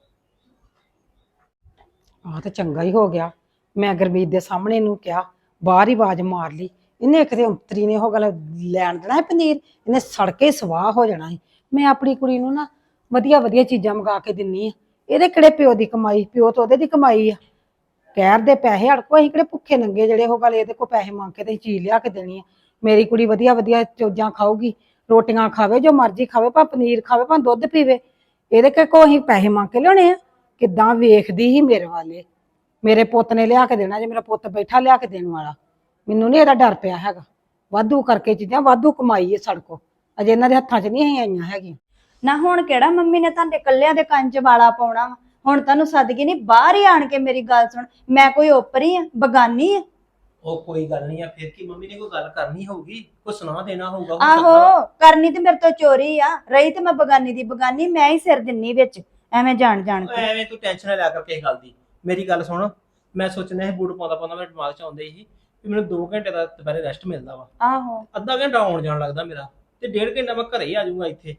ਆਹ ਤਾਂ ਚੰਗਾ ਹੀ ਹੋ ਗਿਆ। ਮੈਂ ਗੁਰਮੀਤ ਦੇ ਸਾਹਮਣੇ ਇਹਨੂੰ ਕਿਹਾ, ਬਾਹਰ ਹੀ ਆਵਾਜ਼ ਮਾਰ ਲਈ। ਇਹਨੇ ਕਿਤੇ ਅੰਤਰੀ ਨੇ ਉਹ ਗੱਲ ਲੈਣ ਦੇਣਾ ਹੈ ਪਨੀਰ, ਇਹਨੇ ਸੜਕੇ ਸਵਾਹ ਹੋ ਜਾਣਾ ਹੈ। ਮੈਂ ਆਪਣੀ ਕੁੜੀ ਨੂੰ ਨਾ ਵਧੀਆ ਵਧੀਆ ਚੀਜ਼ਾਂ ਮੰਗਾ ਕੇ ਦਿੰਨੀ ਆ। ਇਹਦੇ ਕਿਹੜੇ ਪਿਓ ਦੀ ਕਮਾਈ? ਪਿਓ ਤਾਂ ਉਹਦੇ ਦੀ ਕਮਾਈ ਆ। ਕਹਿਰ ਦੇ ਪੈਸੇ ਅੜਕੋ, ਅਸੀਂ ਕਿਹੜੇ ਭੁੱਖੇ ਨੰਗੇ ਜਿਹੜੇ ਉਹ ਗੱਲ ਇਹਦੇ ਕੋਲ ਪੈਸੇ ਮੰਗ ਕੇ ਤੇ ਚੀਜ਼ ਲਿਆ ਕੇ ਦੇਣੀ ਆ। ਮੇਰੀ ਕੁੜੀ ਵਧੀਆ ਵਧੀਆ ਚੀਜ਼ਾਂ ਖਾਊਗੀ, ਰੋਟੀਆਂ ਖਾਵੇ, ਜੋ ਮਰਜ਼ੀ ਖਾਵੇ, ਭਾਵੇਂ ਪਨੀਰ ਖਾਵੇ, ਭਾਵੇਂ ਦੁੱਧ ਪੀਵੇ। ਇਹਦੇ ਕੋਲ ਅਸੀਂ ਪੈਸੇ ਮੰਗ ਕੇ ਲਿਆਉਣੇ ਆ? ਕਿੱਦਾਂ ਵੇਖਦੀ ਸੀ ਮੇਰੇ ਵਾਲੇ। ਮੇਰੇ ਪੁੱਤ ਨੇ ਲਿਆ ਕੇ ਦੇਣਾ, ਜੇ ਮੇਰਾ ਪੁੱਤ ਬੈਠਾ ਲਿਆ ਕੇ ਦੇਣ ਵਾਲਾ। ਮੈਨੂੰ ਨਹੀਂ ਇਹਦਾ ਡਰ ਪਿਆ ਹੈਗਾ। ਵਾਧੂ ਕਰਕੇ ਚੀਜ਼ਾਂ ਵਾਧੂ ਕਮਾਈ ਹੈ ਸੜਕੋ, ਅਜੇ ਇਹਨਾਂ ਦੇ ਹੱਥਾਂ 'ਚ ਨਹੀਂ ਆਈਆਂ ਹੈਗੀਆਂ।
ਨਾ ਹੁਣ ਕਿਹੜਾ ਮੰਮੀ ਨੇ ਤੁਹਾਡੇ ਕੱਲਿਆਂ ਦੇ ਕੰਨ 'ਚ ਵਾਲਾ ਪਾਉਣਾ ਵਾ? ਹੁਣ ਤੁਹਾਨੂੰ ਸਦਕੇ ਨਹੀਂ, ਬਾਹਰ ਹੀ ਆਣ ਕੇ ਮੇਰੀ ਗੱਲ ਸੁਣ। ਮੈਂ ਕੋਈ ਓਪਰੀ ਆ, ਬਗਾਨੀ ਆ?
ਉਹ ਕੋਈ ਗੱਲ ਨਹੀਂ ਆ, ਫਿਰ ਕੀ ਮੰਮੀ ਨੇ ਕੋਈ ਗੱਲ ਕਰਨੀ ਹੋਊਗੀ, ਕੋਈ ਸੁਣਾ ਦੇਣਾ ਹੋਊਗਾ।
ਆਹੋ ਕਰਨੀ ਤੇ ਮੇਰੇ ਤੋਂ ਚੋਰੀ ਆ, ਰਹੀ ਤੇ ਮੈਂ ਬਗਾਨੀ ਦੀ ਬਗਾਨੀ, ਮੈਂ ਹੀ ਸਿਰ ਦਿੰਨੀ ਵਿੱਚ ਐਵੇਂ ਜਾਣ ਜਾਣ ਕੇ।
ਐਵੇਂ ਤੂੰ ਟੈਨਸ਼ਨ ਨਾ ਲਿਆ ਕਰ ਕਿਸੇ ਗੱਲ ਦੀ। ਮੇਰੀ ਗੱਲ ਸੁਣ, ਮੈਂ ਸੋਚਣਾ ਇਹ ਬੂਟ ਪਾਉਂਦਾ ਪਾਉਂਦਾ ਮੇਰੇ ਦਿਮਾਗ 'ਚ ਆਉਂਦੇ ਸੀ ਵੀ ਮੈਨੂੰ ਦੋ ਘੰਟੇ ਦਾ ਦੁਪਹਿਰੇ ਰੈਸਟ ਮਿਲਦਾ ਵਾ।
ਆਹੋ
ਅੱਧਾ ਘੰਟਾ ਆਉਣ ਜਾਣ ਲੱਗਦਾ ਮੇਰਾ, ਤੇ ਡੇਢ ਘੰਟਾ ਮੈਂ ਘਰੇ ਹੀ ਆ ਜਾਊਂਗਾ ਇੱਥੇ।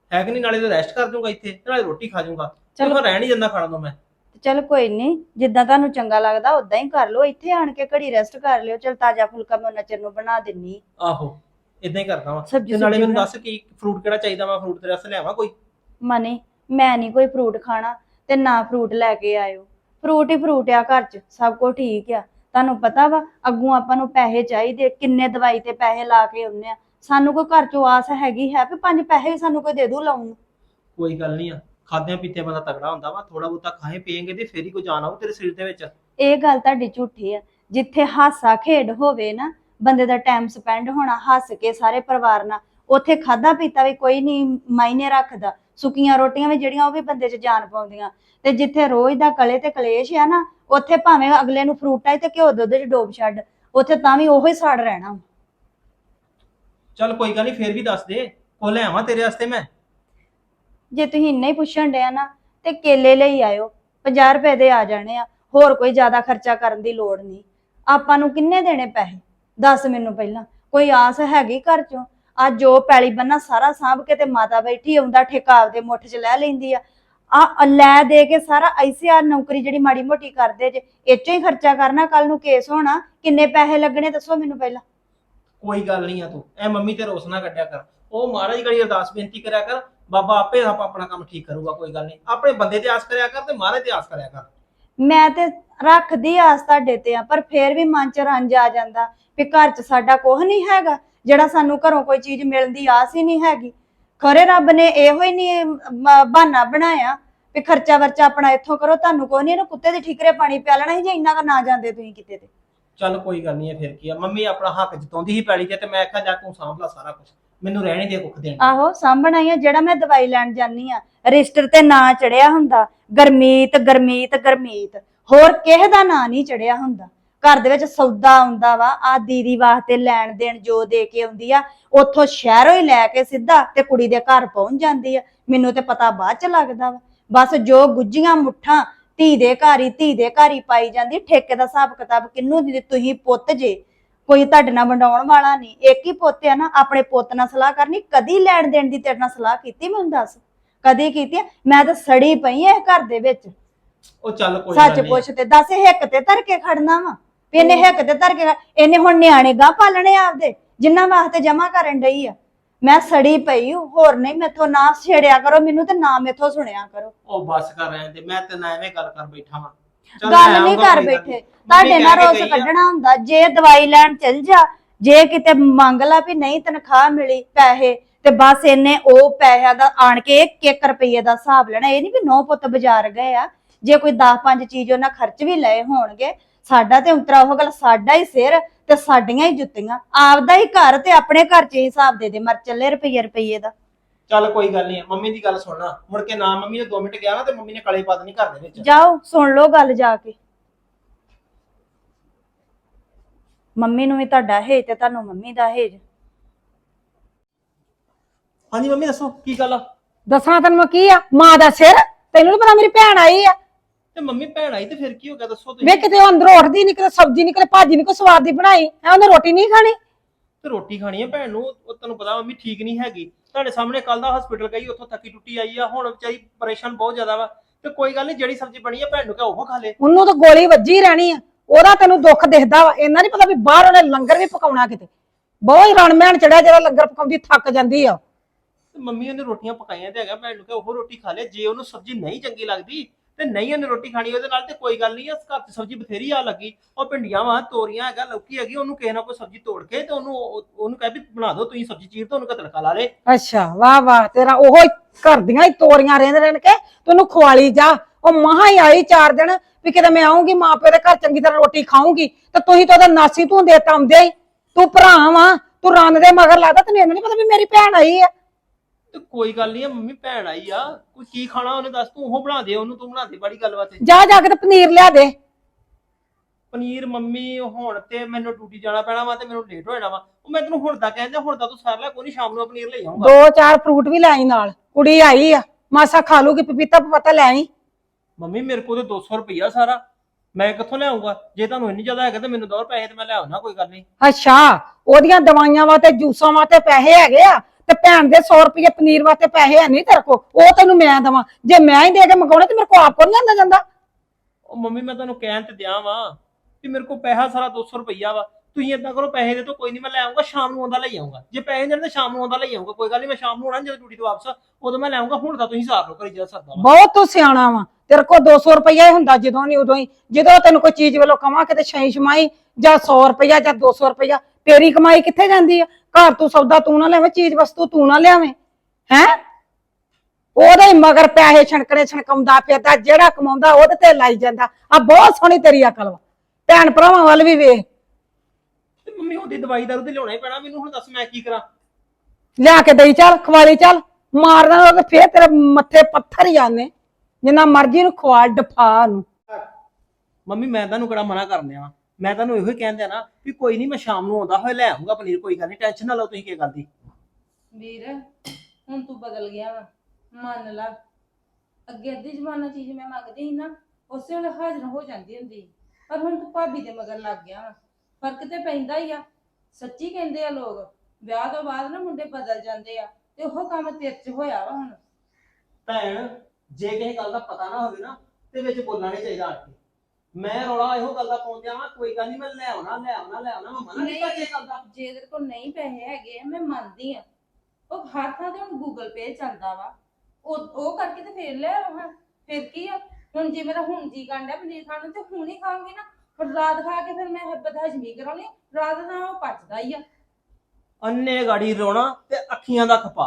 ਹੈ ਕਿ ਨਹੀਂ, ਨਾਲੇ ਤੇ ਰੈਸਟ ਕਰ ਜਾਊਂਗਾ ਇੱਥੇ ਤੇ ਨਾਲੇ ਰੋਟੀ ਖਾ ਜਾਊਂਗਾ।
ਚਲੋ।
ਚਲੋ ਰਹਿਣ ਹੀ ਜਾਂਦਾ ਖਾਣਾ ਤੋਂ ਮੈਂ।
ਚਲ ਕੋਈ ਨਹੀਂ, ਜਿੱਦਾਂ ਤੁਹਾਨੂੰ ਚੰਗਾ ਲੱਗਦਾ ਉਦਾਂ ਹੀ ਕਰ ਲਓ, ਇੱਥੇ ਆਣ ਕੇ ਘੜੀ ਰੈਸਟ ਕਰ ਲਿਓ। ਚਲ ਤਾਜ਼ਾ ਫੁਲਕਾ ਮੈਂ ਉਹਨਾਂ ਚਿਰ ਨੂੰ ਬਣਾ ਦਿੰਨੀ।
ਆਹੋ ਇਦਾਂ ਹੀ ਕਰਦਾ ਵਾ।
ਸਬਜ਼ੀ
ਤੇ ਨਾਲੇ
ਸੁਬਜ਼ੀ
ਮੈਨੂੰ
ਬਣਾ-
ਦੱਸ ਕੀ ਫਰੂਟ ਕਿਹੜਾ ਚਾਹੀਦਾ ਵਾ, ਫਰੂਟ ਤੇਰੇ ਵਾਸਤੇ ਲਿਆਵਾਂ ਕੋਈ?
ਮਨੀ ਮੈਂ ਨਹੀਂ ਕੋਈ ਫਰੂਟ ਖਾਣਾ ਤੇ ਨਾ ਫਰੂਟ ਲੈ ਕੇ ਆਇਓ। ਫਰੂਟ ਹੀ ਫਰੂਟ ਆ, ਘਰ 'ਚ ਸਭ ਕੁਝ ਠੀਕ ਆ। ਤੁਹਾਨੂੰ ਪਤਾ ਵਾ ਅੱਗੋਂ ਆਪਾਂ ਨੂੰ ਪੈਸੇ ਚਾਹੀਦੇ, ਕਿੰਨੇ ਦਵਾਈ ਤੇ ਪੈਸੇ ਲਾ ਕੇ ਆਉਂਦੇ ਆ। ਸਾਨੂੰ ਕੋਈ ਘਰ 'ਚੋਂ ਆਸ ਹੈਗੀ ਹੈ ਵੀ ਪੰਜ ਪੈਸੇ ਵੀ ਸਾਨੂੰ ਕੋਈ ਦੇ ਦੂ ਲਾਉਣ ਨੂੰ?
ਕੋਈ ਗੱਲ ਨਹੀਂ ਆ, ਖਾਦਿਆਂ ਪੀਤਿਆਂ ਬੰਦਾ ਤਗੜਾ ਹੁੰਦਾ ਵਾ। ਥੋੜਾ ਬਹੁਤਾ ਖਾਏ ਪੀਏਂਗੇ ਤੇ ਫੇਰ ਹੀ ਕੋਈ ਜਾਨ ਆਊ ਤੇਰੇ ਸਰੀਰ ਦੇ ਵਿੱਚ।
ਇਹ ਗੱਲ ਤੁਹਾਡੀ ਝੂਠੀ ਆ। ਜਿੱਥੇ ਹਾਸਾ ਖੇਡ ਹੋਵੇ ਨਾ, ਬੰਦੇ ਦਾ ਟਾਈਮ ਸਪੈਂਡ ਹੋਣਾ ਹੱਸ ਕੇ ਸਾਰੇ ਪਰਿਵਾਰ ਨਾਲ, ਉੱਥੇ ਖਾਦਾ ਪੀਤਾ ਵੀ ਕੋਈ ਨਹੀਂ ਮਾਇਨੇ ਰੱਖਦਾ। ਸੁੱਕੀਆਂ ਰੋਟੀਆਂ ਵੀ ਜਿਹੜੀਆਂ ਉਹ ਵੀ ਬੰਦੇ 'ਚ ਜਾਨ ਪਾਉਂਦੀਆਂ। ਤੇ ਜਿੱਥੇ ਰੋਜ਼ ਦਾ ਕਲੇ ਤੇ ਕਲੇਸ਼ ਆ ਨਾ, ਉੱਥੇ ਭਾਵੇਂ ਅਗਲੇ ਨੂੰ ਫਰੂਟਾਂ 'ਚ ਤੇ ਘਿਓ ਦੁੱਧ 'ਚ ਡੋਬ ਛੱਡ, ਉੱਥੇ ਤਾਂ ਵੀ ਉਹੋ ਹੀ ਸੜ ਰਹਿਣਾ।
ਚੱਲ ਕੋਈ ਗੱਲ ਨਹੀਂ, ਫੇਰ ਵੀ ਦੱਸ ਦੇ, ਕੋ ਲੈ ਆਵਾਂ ਤੇਰੇ ਵਾਸਤੇ ਮੈਂ?
ਜੇ ਤੁਸੀਂ ਇੰਨਾ ਹੀ ਪੁੱਛਣ ਡਿਆ ਨਾ ਤੇ ਕੇਲੇ ਲਈ ਆਇਓ, ਪੰਜਾਹ ਰੁਪਏ ਦੇ ਆ ਜਾਣੇ ਆ। ਹੋਰ ਕੋਈ ਜ਼ਿਆਦਾ ਖਰਚਾ ਕਰਨ ਦੀ ਲੋੜ ਨਹੀਂ। ਆਪਾਂ ਨੂੰ ਕਿੰਨੇ ਦੇਣੇ ਪੈਸੇ ਦੱਸ ਮੈਨੂੰ ਪਹਿਲਾਂ? ਕੋਈ ਆਸ ਹੈਗੀ ਘਰ 'ਚੋਂ? ਅੱਜ ਜੋ ਪੈਲੀ ਬੰਨਾ ਸਾਰਾ ਸਾਂਭ ਕੇ ਤੇ ਮਾਤਾ ਬੈਠੀ ਆਉਂਦਾ ਠੇਕਾ ਆਪਦੇ ਮੁੱਠ 'ਚ ਲੈ ਲੈਂਦੀ ਆ। ਆ ਲੈ ਦੇ ਕੇ ਸਾਰਾ ਐਸੇ ਆ ਨੌਕਰੀ ਜਿਹੜੀ ਮਾੜੀ ਮੋਟੀ ਕਰਦੇ ਜੇ ਇਹ 'ਚੋਂ ਹੀ ਖਰਚਾ ਕਰਨਾ। ਕੱਲ ਨੂੰ ਕੇਸ ਹੋਣਾ, ਕਿੰਨੇ ਪੈਸੇ ਲੱਗਣੇ ਦੱਸੋ ਮੈਨੂੰ ਪਹਿਲਾਂ।
ਕੋਈ ਗੱਲ ਨਹੀਂ ਆ, ਤੂੰ ਐ ਮੰਮੀ ਤੇ ਰੋਸ ਨਾ ਕੱਢਿਆ ਕਰ। ਉਹ ਮਹਾਰਾਜ ਗੜੀ ਅਰਦਾਸ ਬੇਨਤੀ ਕਰਿਆ ਕਰ, ਬਾਬਾ ਆਪੇ ਆਪ ਆਪਣਾ ਕੰਮ ਠੀਕ ਕਰੂਗਾ। ਕੋਈ ਗੱਲ ਨਹੀਂ, ਆਪਣੇ ਬੰਦੇ ਤੇ ਆਸ ਕਰਿਆ ਕਰ ਤੇ ਮਹਾਰਾਜ ਤੇ ਆਸ ਕਰਿਆ ਕਰ।
ਮੈਂ ਤੇ ਰੱਖਦੀ ਆਸ ਤੁਹਾਡੇ ਤੇ ਆ, ਪਰ ਫੇਰ ਵੀ ਮਨ 'ਚ ਰੰਜ ਆ ਜਾਂਦਾ ਵੀ ਘਰ 'ਚ ਸਾਡਾ ਕੁਝ ਨਹੀਂ ਹੈਗਾ, ਜਿਹੜਾ ਸਾਨੂੰ ਘਰੋਂ ਕੋਈ ਚੀਜ਼ ਮਿਲਣ ਦੀ ਆਸ ਹੀ ਨਹੀਂ ਹੈਗੀ। ਖਰੇ ਰੱਬ ਨੇ ਇਹੋ ਹੀ ਨਹੀਂ ਬਹਾਨਾ ਬਣਾਇਆ ਵੀ ਖਰਚਾ ਵਰਚਾ ਆਪਣਾ ਇੱਥੋਂ ਕਰੋ, ਤੁਹਾਨੂੰ ਕੋਈ ਨਹੀਂ, ਇਹਨੂੰ ਕੁੱਤੇ ਦੇ ਠੀਕਰੇ ਪਾਣੀ ਪਿਆ ਲੈਣਾ ਸੀ ਜੇ ਇੰਨਾ ਕੁ ਨਾ ਜਾਂਦੇ ਤੁਸੀਂ ਕਿਤੇ ਤੇ।
ਚੱਲ ਕੋਈ ਗੱਲ ਨਹੀਂ, ਫਿਰ ਕੀ ਆ, ਮੰਮੀ ਆਪਣਾ ਹੱਕ ਜਤਾਉਂਦੀ ਸੀ ਪੈਲੀ ਤੇ, ਤੇ ਮੈਂ ਆਖਿਆ ਜਾ ਤੂੰ ਸਾਂਭ ਲਾ ਸਾਰਾ ਕੁਝ, ਮੈਨੂੰ ਰਹਿਣੇ ਦੇ ਕੁੱਖ ਦੇਣ।
ਆਹੋ ਸਾਂਭਣਾ ਹੀ ਆ। ਜਿਹੜਾ ਮੈਂ ਦਵਾਈ ਲੈਣ ਜਾਨੀ ਆ, ਰਜਿਸਟਰ ਤੇ ਨਾਂ ਚੜਿਆ ਹੁੰਦਾ ਗਰਮੀਤ ਗਰਮੀਤ ਗਰਮੀਤ, ਹੋਰ ਕਿਸੇ ਦਾ ਨਾਂ ਨਹੀਂ ਚੜਿਆ ਹੁੰਦਾ। ਘਰ ਦੇ ਵਿੱਚ ਸੌਦਾ ਆਉਂਦਾ ਵਾ, ਆ ਦੀਦੀ ਵਾਸਤੇ ਲੈਣ ਦੇਣ ਜੋ ਦੇ ਕੇ ਆਉਂਦੀ ਆ, ਉੱਥੋਂ ਸ਼ਹਿਰੋਂ ਹੀ ਲੈ ਕੇ ਸਿੱਧਾ ਤੇ ਕੁੜੀ ਦੇ ਘਰ ਪਹੁੰਚ ਜਾਂਦੀ ਆ। ਮੈਨੂੰ ਤੇ ਪਤਾ ਬਾਅਦ ਚ ਲੱਗਦਾ ਵਾ। ਬਸ ਜੋ ਗੁੱਜੀਆਂ ਮੁੱਠਾਂ ਧੀ ਦੇ ਘਰ ਹੀ ਧੀ ਦੇ ਘਰ ਹੀ ਪਾਈ ਜਾਂਦੀ। ਠੇਕੇ ਦਾ ਹਿਸਾਬ ਕਿਤਾਬ ਕਿੰਨੂੰ ਦੀ? ਤੁਸੀਂ ਪੁੱਤ ਜੇ, ਕੋਈ ਤੁਹਾਡੇ ਨਾਲ ਵੰਡਾਉਣ ਵਾਲਾ ਨਹੀਂ। ਇੱਕ ਹੀ ਪੁੱਤ ਆ ਨਾ, ਆਪਣੇ ਪੁੱਤ ਨਾਲ ਸਲਾਹ ਕਰਨੀ। ਕਦੀ ਲੈਣ ਦੇਣ ਦੀ ਤੇਰੇ ਨਾਲ ਸਲਾਹ ਕੀਤੀ? ਮੈਨੂੰ ਦੱਸ, ਕਦੀ ਕੀਤੀ? ਮੈਂ ਤਾਂ ਸੜੀ ਪਈ ਐ ਘਰ ਦੇ ਵਿੱਚ।
ਉਹ ਚੱਲ ਕੋਈ ਗੱਲ
ਸੱਚ
ਨਹੀਂ,
ਪੁੱਛ ਤੇ ਦੱਸ, ਹਿੱਕ ਤੇ ਧਰ ਕੇ ਖੜਨਾ ਵਾ? ਵੀ ਇਹਨੇ ਹਿੱਕ ਤੇ ਧਰ ਕੇ, ਇਹਨੇ ਹੁਣ ਨਿਆਣੇ ਗਾਂ ਪਾਲਣੇ ਆਪਦੇ ਜਿੰਨਾਂ ਵਾਸਤੇ ਜਮਾ ਕਰਨ ਡਈ ਆ। ਮੈਂ ਸੜੀ ਪਈ ਹੂੰ, ਹੋਰ ਨਹੀਂ। ਮੈਥੋਂ ਨਾ ਛੇੜਿਆ ਕਰੋ ਮੈਨੂੰ ਤੇ ਨਾ ਮੈਥੋਂ ਸੁਣਿਆ ਕਰੋ।
ਉਹ ਬਸ ਕਰ ਰਹੇ ਤੇ ਮੈਂ ਤੇ ਨਾ ਐਵੇਂ ਗੱਲ ਕਰ ਬੈਠਾ ਵਾਂ।
ਗੱਲ ਨਹੀਂ ਕਰ ਬੈਠੇ, ਤੁਹਾਡੇ ਨਾਲ ਰੋਸ ਕੱਢਣਾ ਹੁੰਦਾ। ਜੇ ਦਵਾਈ ਲੈਣ ਚਲ ਜਾ, ਜੇ ਕਿਤੇ ਮੰਗ ਲਾ ਵੀ ਨਹੀਂ ਤਨਖਾਹ ਮਿਲੀ ਪੈਸੇ, ਤੇ ਬਸ ਇਹਨੇ ਉਹ ਪੈਸਿਆਂ ਦਾ ਆਣ ਕੇ ਇੱਕ ਇੱਕ ਰੁਪਈਏ ਦਾ ਹਿਸਾਬ ਲੈਣਾ। ਇਹ ਨਹੀਂ ਵੀ ਨੌ ਪੁੱਤ ਬਾਜ਼ਾਰ ਗਏ ਆ, ਜੇ ਕੋਈ ਦਸ ਪੰਜ ਚੀਜ਼ ਉਹਨਾਂ ਖਰਚ ਵੀ ਲਏ ਹੋਣਗੇ। ਸਾਡਾ ਤੇ ਉਤਰਾ ਉਹ ਗੱਲ, ਸਾਡਾ ਹੀ ਸਿਰ ਤੇ ਸਾਡੀਆਂ ਹੀ ਜੁੱਤੀਆਂ। ਆਪਦਾ ਹੀ ਘਰ ਤੇ ਆਪਣੇ ਘਰ 'ਚ ਹਿਸਾਬ ਦੇ ਦੇ ਮਰ ਚੱਲੇ ਰੁਪਈਏ ਰੁਪਈਏ ਦਾ।
ਚੱਲ ਕੋਈ ਗੱਲ ਨਹੀਂ, ਮੰਮੀ ਦੀ ਗੱਲ ਸੁਣਨਾ ਮੁੜ ਕੇ ਨਾ। ਮੰਮੀ ਨੇ ਦੋ ਮਿੰਟ ਗਿਆ ਨਾ ਤੇ ਮੰਮੀ ਨੇ ਕਲੇ ਪਾ ਦੇਣੀ ਘਰ ਦੇ ਵਿੱਚ।
ਜਾਓ ਸੁਣ ਲਓ ਗੱਲ ਜਾ ਕੇ। ਮੰਮੀ ਨੂੰ ਵੀ ਤੁਹਾਡਾ ਹੇਜ ਤੇ ਤੁਹਾਨੂੰ ਮੰਮੀ ਦਾ ਹੇਜ।
ਹਾਂਜੀ ਮੰਮੀ ਦੱਸੋ ਕੀ ਗੱਲ ਆ?
ਦੱਸਣਾ ਤੈਨੂੰ ਮੈਂ ਕੀ ਆ? ਮਾਂ ਦਾ ਸਿਰ ਤੈਨੂੰ ਨੀ ਪਤਾ ਮੇਰੀ ਭੈਣ ਆਈ ਆ?
ਤੇ ਮੰਮੀ ਭੈਣ ਆਈ ਤੇ ਫਿਰ ਕੀ ਹੋ ਗਿਆ ਦੱਸੋ
ਵੇ
ਤੁਸੀਂ?
ਕਿਤੇ ਉਹ ਅੰਦਰੋਂ ਉੱਠਦੀ ਨੀ, ਕਿਤੇ ਸਬਜ਼ੀ ਨੀ, ਕਿਤੇ ਭਾਜੀ ਨੀ ਕੋਈ ਸਵਾਦ ਦੀ ਬਣਾਈ ਐ, ਉਹਨੇ ਰੋਟੀ ਨਹੀਂ ਖਾਣੀ?
ਤੇ ਰੋਟੀ ਖਾਣੀ ਆ ਭੈਣ ਨੂੰ, ਉਹ ਤੁਹਾਨੂੰ ਪਤਾ ਮੰਮੀ ਠੀਕ ਨਹੀਂ ਹੈਗੀ। ਤੁਹਾਡੇ ਸਾਹਮਣੇ ਕੱਲ ਦਾ ਹਸਪੀਟਲ ਗਈ, ਉੱਥੋਂ ਥੱਕੀ ਟੁੱਟੀ ਆਈ ਆ, ਹੁਣ ਵਿਚਾਰੀ ਪਰੇਸ਼ਾਨ ਬਹੁਤ ਜ਼ਿਆਦਾ ਵਾ। ਤੇ ਕੋਈ ਗੱਲ ਨਹੀਂ, ਜਿਹੜੀ ਸਬਜ਼ੀ ਬਣੀ ਆ ਭੈਣ ਨੂੰ ਕਿਹਾ ਉਹ ਖਾ ਲੇ।
ਉਹਨੂੰ ਤਾਂ ਗੋਲੀ ਵੱਜੀ ਰਹਿਣੀ ਆ, ਉਹਦਾ ਤੈਨੂੰ ਦੁੱਖ ਦਿਖਦਾ ਵਾ। ਇਹਨਾਂ ਨੀ ਪਤਾ ਵੀ ਬਾਹਰ ਉਹਨੇ ਲੰਗਰ ਵੀ ਪਕਾਉਣਾ। ਕਿਤੇ ਬਹੁਤ ਹੀ ਰਣ ਮਹਿਣ ਚੜਿਆ, ਜਿਹੜਾ ਲੰਗਰ ਪਕਾਉਂਦੀ ਥੱਕ ਜਾਂਦੀ ਆ।
ਤੇ ਮੰਮੀ ਉਹਨੇ ਰੋਟੀਆਂ ਪਕਾਈਆਂ ਤੇ ਹੈਗਾ, ਭੈਣ ਨੂੰ ਕਿਹਾ ਉਹ ਰੋਟੀ ਖਾ ਲੇ। ਜੇ ਉਹਨੂੰ ਸਬਜ਼ੀ ਨਹੀਂ ਚੰਗੀ ਲੱਗਦੀ ਤੇ ਨਹੀਂ ਉਹਨੇ ਰੋਟੀ ਖਾਣੀ ਉਹਦੇ ਨਾਲ, ਤੇ ਕੋਈ ਗੱਲ ਨਹੀਂ, ਇਸ ਘਰ 'ਚ ਸਬਜ਼ੀ ਬਥੇਰੀ ਆ ਲੱਗੀ। ਉਹ ਭਿੰਡੀਆਂ ਵਾ, ਤੋਰੀਆਂ ਹੈਗਾ, ਲੌਕੀ ਹੈਗੀ, ਉਹਨੂੰ ਕਿਸੇ ਨਾ ਕੋਈ ਸਬਜ਼ੀ ਤੋੜ ਕੇ ਤੇ ਉਹਨੂੰ ਉਹਨੂੰ ਕਹਿ ਵੀ ਬਣਾ ਦਿਓ ਤੁਸੀਂ ਸਬਜ਼ੀ, ਚੀਰ ਤੇ ਉਹਨੂੰ ਤੜਕਾ ਲਾ ਲੇ।
ਅੱਛਾ ਵਾਹ ਵਾਹ, ਤੇਰਾ ਉਹ ਹੀ ਘਰ ਦੀਆਂ ਹੀ ਤੋਰੀਆਂ ਰਹਿੰਦ ਰਹਿਣ ਕੇ ਤੈਨੂੰ ਖਵਾਲੀ ਜਾ। ਉਹ ਮਹਾ ਹੀ ਆਈ ਚਾਰ ਦਿਨ ਵੀ ਕਿਤੇ ਮੈਂ ਆਉਂਗੀ ਮਾਂ ਪਿਓ ਦੇ ਘਰ ਚੰਗੀ ਤਰ੍ਹਾਂ ਰੋਟੀ ਖਾਊਂਗੀ, ਤੇ ਤੁਸੀਂ ਤਾਂ ਉਹਦਾ ਨਾਸੀ ਤੂੰ ਦੇ ਤਾਂਦੇ ਹੀ। ਤੂੰ ਭਰਾ ਵਾ, ਤੂੰ ਰੰਨ ਦੇ ਮਗਰ ਲੱਗਦਾ, ਤੈਨੂੰ ਇਹਨਾਂ ਨੀ ਪਤਾ ਵੀ ਮੇਰੀ ਭੈਣ ਆਈ ਆ।
ਤੇ ਕੋਈ ਗੱਲ ਨਹੀਂ, ਮੰਮੀ ਭੈਣ ਆਈ ਆ, ਕੋਈ ਕੀ ਖਾਣਾ ਉਹਨੇ ਦੱਸ, ਤੂੰ ਉਹ ਬਣਾ ਦੇ ਉਹਨੂੰ, ਤੂੰ ਬਣਾ ਦੇ, ਬੜੀ ਗੱਲ ਵਾ। ਤੇ
ਜਾ ਜਾ ਕੇ ਤੇ ਪਨੀਰ ਲਿਆ ਦੇ।
ਪਨੀਰ ਮੰਮੀ ਹੁਣ ਤੇ ਮੈਨੂੰ ਡਿਊਟੀ ਜਾਣਾ ਪੈਣਾ ਵਾ ਤੇ ਮੈਨੂੰ ਲੇਟ ਹੋ ਜਾਣਾ ਵਾ। ਉਹ ਮੈਂ ਤੈਨੂੰ ਹੁਣ ਦਾ ਕਹਿੰਦਾ, ਹੁਣ ਦਾ ਤੂੰ ਸਾਰ ਲੈ, ਕੋਈ ਨਹੀਂ, ਸ਼ਾਮ ਨੂੰ ਪਨੀਰ ਲੈ ਆਉਂਗਾ।
ਦੋ ਚਾਰ ਫਰੂਟ ਵੀ ਲੈ ਆਈ ਨਾਲ, ਕੁੜੀ ਆਈ ਆ, ਮਾਸਾ ਖਾ ਲੂਗੀ, ਪਪੀਤਾ ਪਪਤਾ ਲੈ ਆਈ।
ਮੰਮੀ ਮੇਰੇ ਕੋਲ ਤੇ ਦੋ ਸੌ ਰੁਪਈਆ ਸਾਰਾ, ਮੈਂ ਕਿੱਥੋਂ ਲਿਆਉਂਗਾ? ਜੇ ਤੁਹਾਨੂੰ ਇੰਨੀ ਜ਼ਿਆਦਾ ਹੈਗਾ ਤੇ ਮੈਨੂੰ ਦੋ ਪੈਸੇ ਤੇ ਮੈਂ ਲੈ ਆਉਣਾ, ਕੋਈ ਗੱਲ ਨਹੀਂ।
ਅੱਛਾ, ਉਹਦੀਆਂ ਦਵਾਈਆਂ ਵਾਸਤੇ ਜੂਸਾਂ ਵਾਸਤੇ ਪੈਸੇ ਹੈਗੇ ਆ ਤੇ ਭੈਣ ਦੇ ਸੌ ਰੁਪਏ ਪਨੀਰ ਵਾਸਤੇ ਪੈਸੇ ਹੈ ਨਹੀਂ ਤੇਰੇ ਕੋ, ਉਹ ਤੈਨੂੰ ਮੈਂ ਦੇਵਾਂ। ਜੇ ਮੈਂ ਹੀ ਦੇ ਕੇ ਮੰਗਾਉਣੇ ਤੇ ਮੇਰੇ ਕੋ ਆਪ ਕੋ ਨਹੀਂ ਆਂਦਾ ਜਾਂਦਾ।
ਉਹ ਮੰਮੀ ਮੈਂ ਤੁਹਾਨੂੰ ਕਹਿਣ ਤੇ ਦਿਆਂ ਵਾਂ ਕਿ ਮੇਰੇ ਕੋਲ ਪੈਸਾ ਸਾਰਾ ਦੋ ਸੌ ਰੁਪਈਆ ਵਾ, ਤੁਸੀਂ ਏਦਾਂ ਕਰੋ ਪੈਸੇ ਦੇ ਤੋਂ ਕੋਈ ਨਹੀਂ, ਮੈਂ ਲੈ ਆਉਂਗਾ ਸ਼ਾਮ ਨੂੰ ਆਉਂਦਾ ਲੈ ਆਉਂਗਾ। ਜੇ ਪੈਸੇ ਦੇਣ ਤਾਂ ਸ਼ਾਮ ਨੂੰ ਆਉਂਦਾ ਲੈ ਆਉਂਗਾ, ਕੋਈ ਗੱਲ ਨਹੀਂ, ਮੈਂ ਸ਼ਾਮ ਨੂੰ ਆਉਣਾ ਜਦੋਂ ਡਿਊਟੀ ਤੋਂ ਵਾਪਸ, ਉਦੋਂ ਮੈਂ ਲੈ ਆਉਂਗਾ। ਹੁਣ ਤਾਂ ਤੁਸੀਂ ਹਿਸਾਬ ਲਓ ਕਰੀ ਜਿਹੜਾ ਸਰਦਾ ਵਾ।
ਬਹੁਤ ਤੂੰ ਸਿਆਣਾ ਵਾ, ਤੇਰੇ ਕੋ ਦੋ ਸੌ ਰੁਪਇਆ ਹੀ ਹੁੰਦਾ ਜਦੋਂ ਨਹੀਂ ਉਦੋਂ ਹੀ, ਜਦੋਂ ਤੈਨੂੰ ਕੋਈ ਚੀਜ਼ ਵੱਲੋਂ ਕਵਾਂ ਕਿਤੇ ਛਈ ਛਮਾਈ ਜਾਂ ਸੌ ਰੁਪਇਆ ਜਾਂ ਦੋ ਸੌ ਰੁਪਇਆ, ਤੇਰੀ ਕਮਾਈ ਕਿੱਥੇ ਜਾਂਦੀ ਆ? ਘਰ ਤੂੰ ਸੌਦਾ ਤੂੰ ਨਾ ਲਿਆਵੇਂ, ਚੀਜ਼ ਵਸਤੂ ਤੂੰ ਨਾ ਲਿਆਵੇਂ ਹੈ। ਉਹਦੇ ਹੀ ਮਗਰ ਪੈਸੇ ਛਣਕਣੇ ਛਣਕਾਉਂਦਾ ਫਿਰਦਾ, ਜਿਹੜਾ ਕਮਾਉਂਦਾ ਉਹਦੇ ਤੇ ਲਾਈ ਜਾਂਦਾ। ਆ ਬਹੁਤ ਸੋਹਣੀ ਤੇਰੀ ਅਕਲ ਵਾ, ਭੈਣ ਭਰਾਵਾਂ ਵੱਲ ਵੀ ਵੇਖ।
ਤੇ ਮੰਮੀ ਉਹਦੀ ਦਵਾਈ ਦਾਰੂ ਤੇ ਲਿਆਉਣਾ ਹੀ ਪੈਣਾ ਮੈਨੂੰ, ਹੁਣ ਦੱਸ ਮੈਂ ਕੀ ਕਰਾਂ?
ਲਿਆ ਕੇ ਦਈ ਚੱਲ, ਖਵਾਲੀ ਚੱਲ, ਮਾਰਦਾ ਉਹ ਫੇਰ ਤੇਰੇ ਮੱਥੇ ਪੱਥਰ ਹੀ ਆਨੇ, ਜਿੰਨਾ ਮਰਜ਼ੀ ਨੂੰ ਖਵਾ ਡਫਾ ਨੂੰ।
ਮੰਮੀ ਮੈਂ ਤੁਹਾਨੂੰ ਕਿਹੜਾ ਮਨਾ ਕਰਨੇ ਆ, ਮੈਂ ਤੁਹਾਨੂੰ ਇਹੋ ਹੀ ਕਹਿੰਦੇ ਆ ਨਾ ਵੀ ਕੋਈ ਨਹੀਂ, ਮੈਂ ਸ਼ਾਮ ਨੂੰ ਆਉਂਦਾ ਹੋਇਆ ਲੈ ਆਉਂਗਾ ਪਨੀਰ, ਕੋਈ ਗੱਲ ਨਹੀਂ, ਟੈਨਸ਼ਨ ਨਾ ਲਓ ਤੁਸੀਂ ਕੀ ਗੱਲ ਦੀ।
ਵੀਰ ਹੁਣ ਤੂੰ ਬਦਲ ਗਿਆ ਵਾ, ਮੰਨ ਲਾ। ਅੱਗੇ ਅੱਧੀ ਜ਼ਮਾਨਾ ਚੀਜ਼ ਮੈਂ ਮੰਗਦੀ ਸੀ ਨਾ, ਉਸੇ ਵੇਲੇ ਹਾਜ਼ਰ ਹੋ ਜਾਂਦੀ ਹੁੰਦੀ, ਪਰ ਹੁਣ ਤੂੰ ਭਾਬੀ ਦੇ ਮਗਰ ਲੱਗ ਗਿਆ ਵਾ। ਫਰਕ ਤੇ ਪੈਂਦਾ ਹੀ ਆ। ਸੱਚੀ ਕਹਿੰਦੇ ਆ ਲੋਕ, ਵਿਆਹ ਤੋਂ ਬਾਅਦ ਨਾ ਮੁੰਡੇ ਬਦਲ ਜਾਂਦੇ ਆ, ਤੇ ਉਹ ਕੰਮ ਤੇਰੇ 'ਚ ਹੋਇਆ ਵਾ ਹੁਣ।
ਭੈਣ ਜੇ ਕਿਸੇ ਗੱਲ ਦਾ ਪਤਾ ਨਾ ਹੋਵੇ ਨਾ ਤੇ ਵਿੱਚ ਬੋਲਣਾ ਨਹੀਂ ਚਾਹੀਦਾ ਆ ਕੇ। ਮੈਂ ਰੌਲਾ ਇਹੋ ਗੱਲ ਦਾ ਪਾਉਂਦਿਆ ਵਾਂ, ਕੋਈ ਗੱਲ ਨਹੀਂ, ਮੈਂ ਲੈ ਆਉਣਾ ਲੈ ਆਉਣਾ ਲੈ ਆਉਣਾ, ਮੈਂ ਮਨਾ ਨਹੀਂ ਕੀਤਾ ਕਿਸੇ ਗੱਲ ਦਾ।
ਜੇ ਤੇਰੇ ਕੋਲ ਨਹੀਂ ਪੈਸੇ ਹੈਗੇ, ਮੈਂ ਮੰਨਦੀ ਆ, ਉਹ ਹਰ ਥਾਂ ਤੇ ਹੁਣ ਗੂਗਲ ਪੇ ਚੱਲਦਾ ਵਾ, ਉਹ ਉਹ ਕਰਕੇ ਤੇ ਫੇਰ ਲੈ ਆਵਾਂ। ਫਿਰ ਕੀ ਆ, ਹੁਣ ਜੇ ਮੇਰਾ ਹੁਣ ਜੀ ਕਰਦਾ ਪਨੀਰ ਖਾਣ ਨੂੰ ਤੇ ਹੁਣ ਹੀ ਖਾਵਾਂਗੀ ਨਾ, ਪਰ ਰਾਤ ਖਾ ਕੇ ਫਿਰ ਮੈਂ ਬਦਹਜ਼ਮੀ ਕਰਾਉਣੀ, ਰਾਤ ਦਾ ਉਹ ਪਚਦਾ ਹੀ ਆ।
ਅੰਨੇ ਗਾੜੀ ਰੋਣਾ ਤੇ ਅੱਖੀਆਂ ਦਾ ਖਪਾ।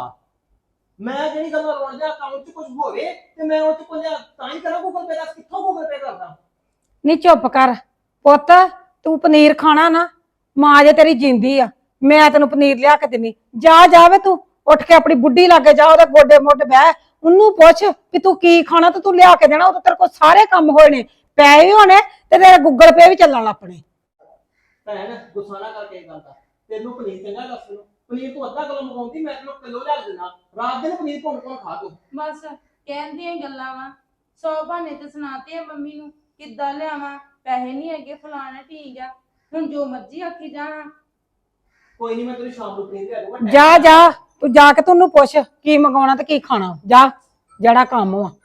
ਮੈਂ ਜਿਹੜੀ ਗੱਲ ਰੋਣ ਜਾ ਅਕਾਊਂਟ 'ਚ ਕੁਝ ਹੋਵੇ ਤੇ ਮੈਂ ਉਹ 'ਚ ਕੋਈ ਤਾਂ ਹੀ ਕਰਾਂ ਗੂਗਲ ਪੇ ਦਾ, ਕਿੱਥੋਂ ਗੂਗਲ ਪੇ ਕਰਦਾ?
ਨਹੀਂ ਚੁੱਪ ਕਰ ਪੁੱਤ, ਤੂੰ ਪਨੀਰ ਖਾਣਾ ਨਾ, ਮਾਂ ਜੇ ਤੇਰੀ ਜਿੰਦੀ ਆ, ਮੈਂ ਤੈਨੂੰ ਪਨੀਰ ਲਿਆ ਕੇ ਦਿੰਨੀ। ਜਾ ਜਾਵੇ ਤੂੰ ਉੱਠ ਕੇ ਆਪਣੀ ਬੁੱਢੀ ਲਾਗੇ ਜਾ, ਉਹਦੇ ਗੋਡੇ ਮੋਢੇ ਬਹਿ, ਉਹਨੂੰ ਪੁੱਛ ਵੀ ਤੂੰ ਕੀ ਖਾਣਾ ਤੇ ਤੂੰ ਲਿਆ ਕੇ ਦੇਣਾ। ਉਹ ਤੇਰੇ ਕੋਲ ਸਾਰੇ ਕੰਮ ਹੋਏ ਨੇ, ਪੈਸੇ ਵੀ ਹੋਣੇ ਤੇ ਤੇਰਾ ਗੂਗਲ ਪੇ ਵੀ ਚੱਲਣ ਲੱਪਣੇ।
ਭੈਣ ਗੁੱਸਾ ਨਾ ਕਰਕੇ ਇਹ ਗੱਲ ਦਾ, ਤੈਨੂੰ ਪਨੀਰ ਚੰਗਾ ਦੱਸ ਨੂੰ, ਪਨੀਰ ਤੂੰ ਅੱਧਾ ਕਿਲੋ ਮੰਗਾਉਂਦੀ, ਮੈਂ ਤੈਨੂੰ ਕਿਲੋ ਲਿਆ ਦੇਣਾ, ਰਾਤ ਦਿਨ ਪਨੀਰ ਭੁੰਨ ਭੁੰਨ ਖਾ ਤੂੰ।
ਬਸ ਕਹਿਣ ਦੀਆਂ ਗੱਲਾਂ ਵਾ, ਸੌ ਬਹਾਨੇ ਤੇ ਸੁਣਾਤੇ ਆ ਮੰਮੀ ਨੂੰ, ਕਿੱਦਾਂ ਲਿਆਵਾਂ, ਪੈਸੇ ਨਹੀਂ ਹੈਗੇ, ਫਲਾਣਾ ਠੀਕ ਆ, ਹੁਣ ਜੋ ਮਰਜ਼ੀ ਆਖੀ ਜਾ।
ਕੋਈ ਨਹੀਂ, ਮੈਂ ਤੈਨੂੰ ਸ਼ਾਮ ਨੂੰ ਪਨੀਰ ਲਿਆ ਦੂੰਗਾ।
ਜਾ ਜਾ ਤੂੰ ਜਾ ਕੇ ਤੈਨੂੰ ਪੁੱਛ ਕੀ ਮੰਗਵਾਉਣਾ ਤੇ ਕੀ ਖਾਣਾ, ਜਾ ਜਿਹੜਾ ਕੰਮ ਵਾ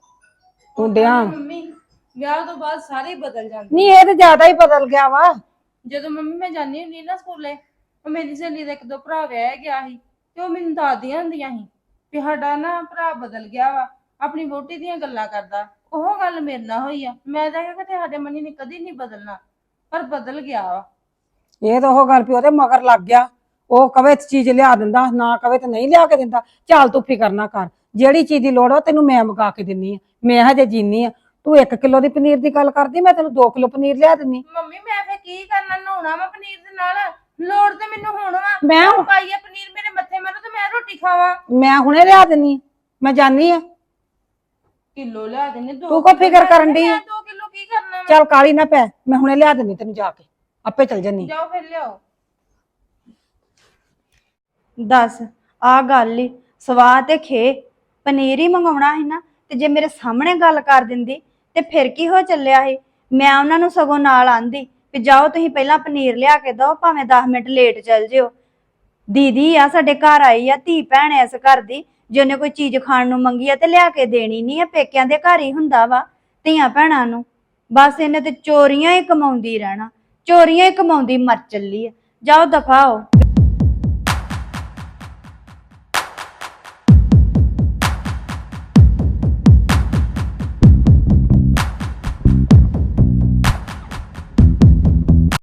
ਤੂੰ ਡਿਆ।
ਮੰਮੀ ਵਿਆਹ ਤੋਂ ਬਾਅਦ ਸਾਰੇ ਹੀ ਬਦਲ ਜਾਂਦੇ।
ਨਹੀਂ ਇਹ ਤੇ ਜ਼ਿਆਦਾ ਹੀ ਬਦਲ ਗਿਆ ਵਾ।
ਜਦੋਂ ਮੰਮੀ ਮੈਂ ਜਾਂਦੀ ਹੁੰਦੀ ਨਾ ਸਕੂਲੇ, ਉਹ ਮੇਰੀ ਸਹੇਲੀ ਦਾ ਇੱਕ ਦੋ ਭਰਾ ਵਿਆਹ ਗਿਆ ਸੀ, ਤੇ ਉਹ ਮੈਨੂੰ ਦੱਸਦੀਆਂ ਹੁੰਦੀਆਂ ਸੀ ਵੀ ਸਾਡਾ ਨਾ ਭਰਾ ਬਦਲ ਗਿਆ ਵਾ, ਆਪਣੀ ਵਹੁਟੀ ਦੀਆਂ ਗੱਲਾਂ ਕਰਦਾ। ਉਹ ਗੱਲ ਮੇਰੇ ਨਾਲ ਹੋਈ ਆ, ਮੈਂ ਤਾਂ ਕਿਹਾ ਕਿ ਸਾਡੇ ਮੰਨੀ ਨੇ ਕਦੀ ਨਹੀਂ ਬਦਲਣਾ, ਪਰ ਬਦਲ ਗਿਆ ਵਾ।
ਇਹ ਤਾਂ ਉਹ ਗੱਲ ਵੀ ਉਹਦੇ ਮਗਰ ਲੱਗ ਗਿਆ, ਉਹ ਕਵੇ ਤੇ ਚੀਜ਼ ਲਿਆ ਦਿੰਦਾ, ਨਾ ਕਵੇ ਤੇ ਨਹੀਂ ਲਿਆ ਕੇ ਦਿੰਦਾ। ਚੱਲ ਤੂੰ ਫਿਕਰ ਨਾ ਕਰ, ਜਿਹੜੀ ਚੀਜ਼ ਦੀ ਲੋੜ ਆ ਤੈਨੂੰ ਮੈਂ ਮੰਗਾ ਕੇ ਦਿੰਨੀ ਆ, ਮੈਂ ਹਜੇ ਜੀਨੀ ਆ। ਤੂੰ ਇੱਕ ਕਿਲੋ ਦੀ ਪਨੀਰ ਦੀ ਗੱਲ ਕਰਦੀ, ਮੈਂ ਤੈਨੂੰ ਦੋ ਕਿਲੋ ਪਨੀਰ ਲਿਆ ਦਿੰਨੀ।
ਮੰਮੀ ਮੈਂ ਫੇਰ ਕੀ ਕਰਨਾ, ਨਹਾਉਣਾ ਵਾ ਪਨੀਰ ਦੇ ਨਾਲ, ਲੋੜ ਤੇ ਮੈਨੂੰ ਹੁਣ ਵਾ।
ਮੈਂ
ਪਾਈਆ ਪਨੀਰ ਮੇਰੇ ਮੱਥੇ ਮਾਰੋ ਤੇ ਮੈਂ ਰੋਟੀ ਖਾਵਾਂ।
ਮੈਂ ਹੁਣੇ ਲਿਆ ਦਿੰਨੀ, ਮੈਂ ਜਾਨੀ ਆ।
ਕਿਲੋ ਲਿਆ ਦੇਣੇ, ਦੋ
ਤੂੰ ਕੋ ਫਿਕਰ ਕਰਨ ਡਈ ਆ?
ਦੋ ਕਿਲੋ ਕੀ ਕਰਨਾ ਵਾ?
ਚੱਲ ਕਾਲੀ ਨਾ ਪੈ, ਮੈਂ ਹੁਣੇ ਲਿਆ ਦਿੰਨੀ ਤੈਨੂੰ, ਜਾ ਕੇ ਆਪੇ ਚਲ ਜਾਨੀ।
ਜਾਓ ਫਿਰ ਲਿਆਓ।
ਦੱਸ ਆ ਗੱਲ ਹੀ ਸਵਾਹ ਤੇ ਖੇ, ਪਨੀਰ ਹੀ ਮੰਗਾਉਣਾ ਸੀ ਨਾ, ਤੇ ਜੇ ਮੇਰੇ ਸਾਹਮਣੇ ਗੱਲ ਕਰ ਦਿੰਦੀ ਤੇ ਫਿਰ ਕੀ ਹੋ ਚੱਲਿਆ ਸੀ। ਮੈਂ ਉਹਨਾਂ ਨੂੰ ਸਗੋਂ ਨਾਲ ਆਂਦੀ ਵੀ ਜਾਓ ਤੁਸੀਂ ਪਹਿਲਾਂ ਪਨੀਰ ਲਿਆ ਕੇ ਦਿਓ, ਭਾਵੇਂ ਦਸ ਮਿੰਟ ਲੇਟ ਚੱਲ ਜਿਓ। ਦੀਦੀ ਆ ਸਾਡੇ ਘਰ ਆਈ ਆ, ਧੀ ਭੈਣ ਇਸ ਘਰ ਦੀ, ਜੇ ਉਹਨੇ ਕੋਈ ਚੀਜ਼ ਖਾਣ ਨੂੰ ਮੰਗੀ ਆ ਤੇ ਲਿਆ ਕੇ ਦੇਣੀ ਨਹੀਂ ਆ। ਪੇਕਿਆਂ ਦੇ ਘਰ ਹੀ ਹੁੰਦਾ ਵਾ ਧੀਆਂ ਭੈਣਾਂ ਨੂੰ, ਬਸ ਇਹਨੇ ਤੇ ਚੋਰੀਆਂ ਹੀ ਕਮਾਉਂਦੀ ਰਹਿਣਾ, ਚੋਰੀਆਂ ਹੀ ਕਮਾਉਂਦੀ ਮਰ ਚੱਲੀ ਆ। ਜਾਓ ਦਫਾ ਹੋ।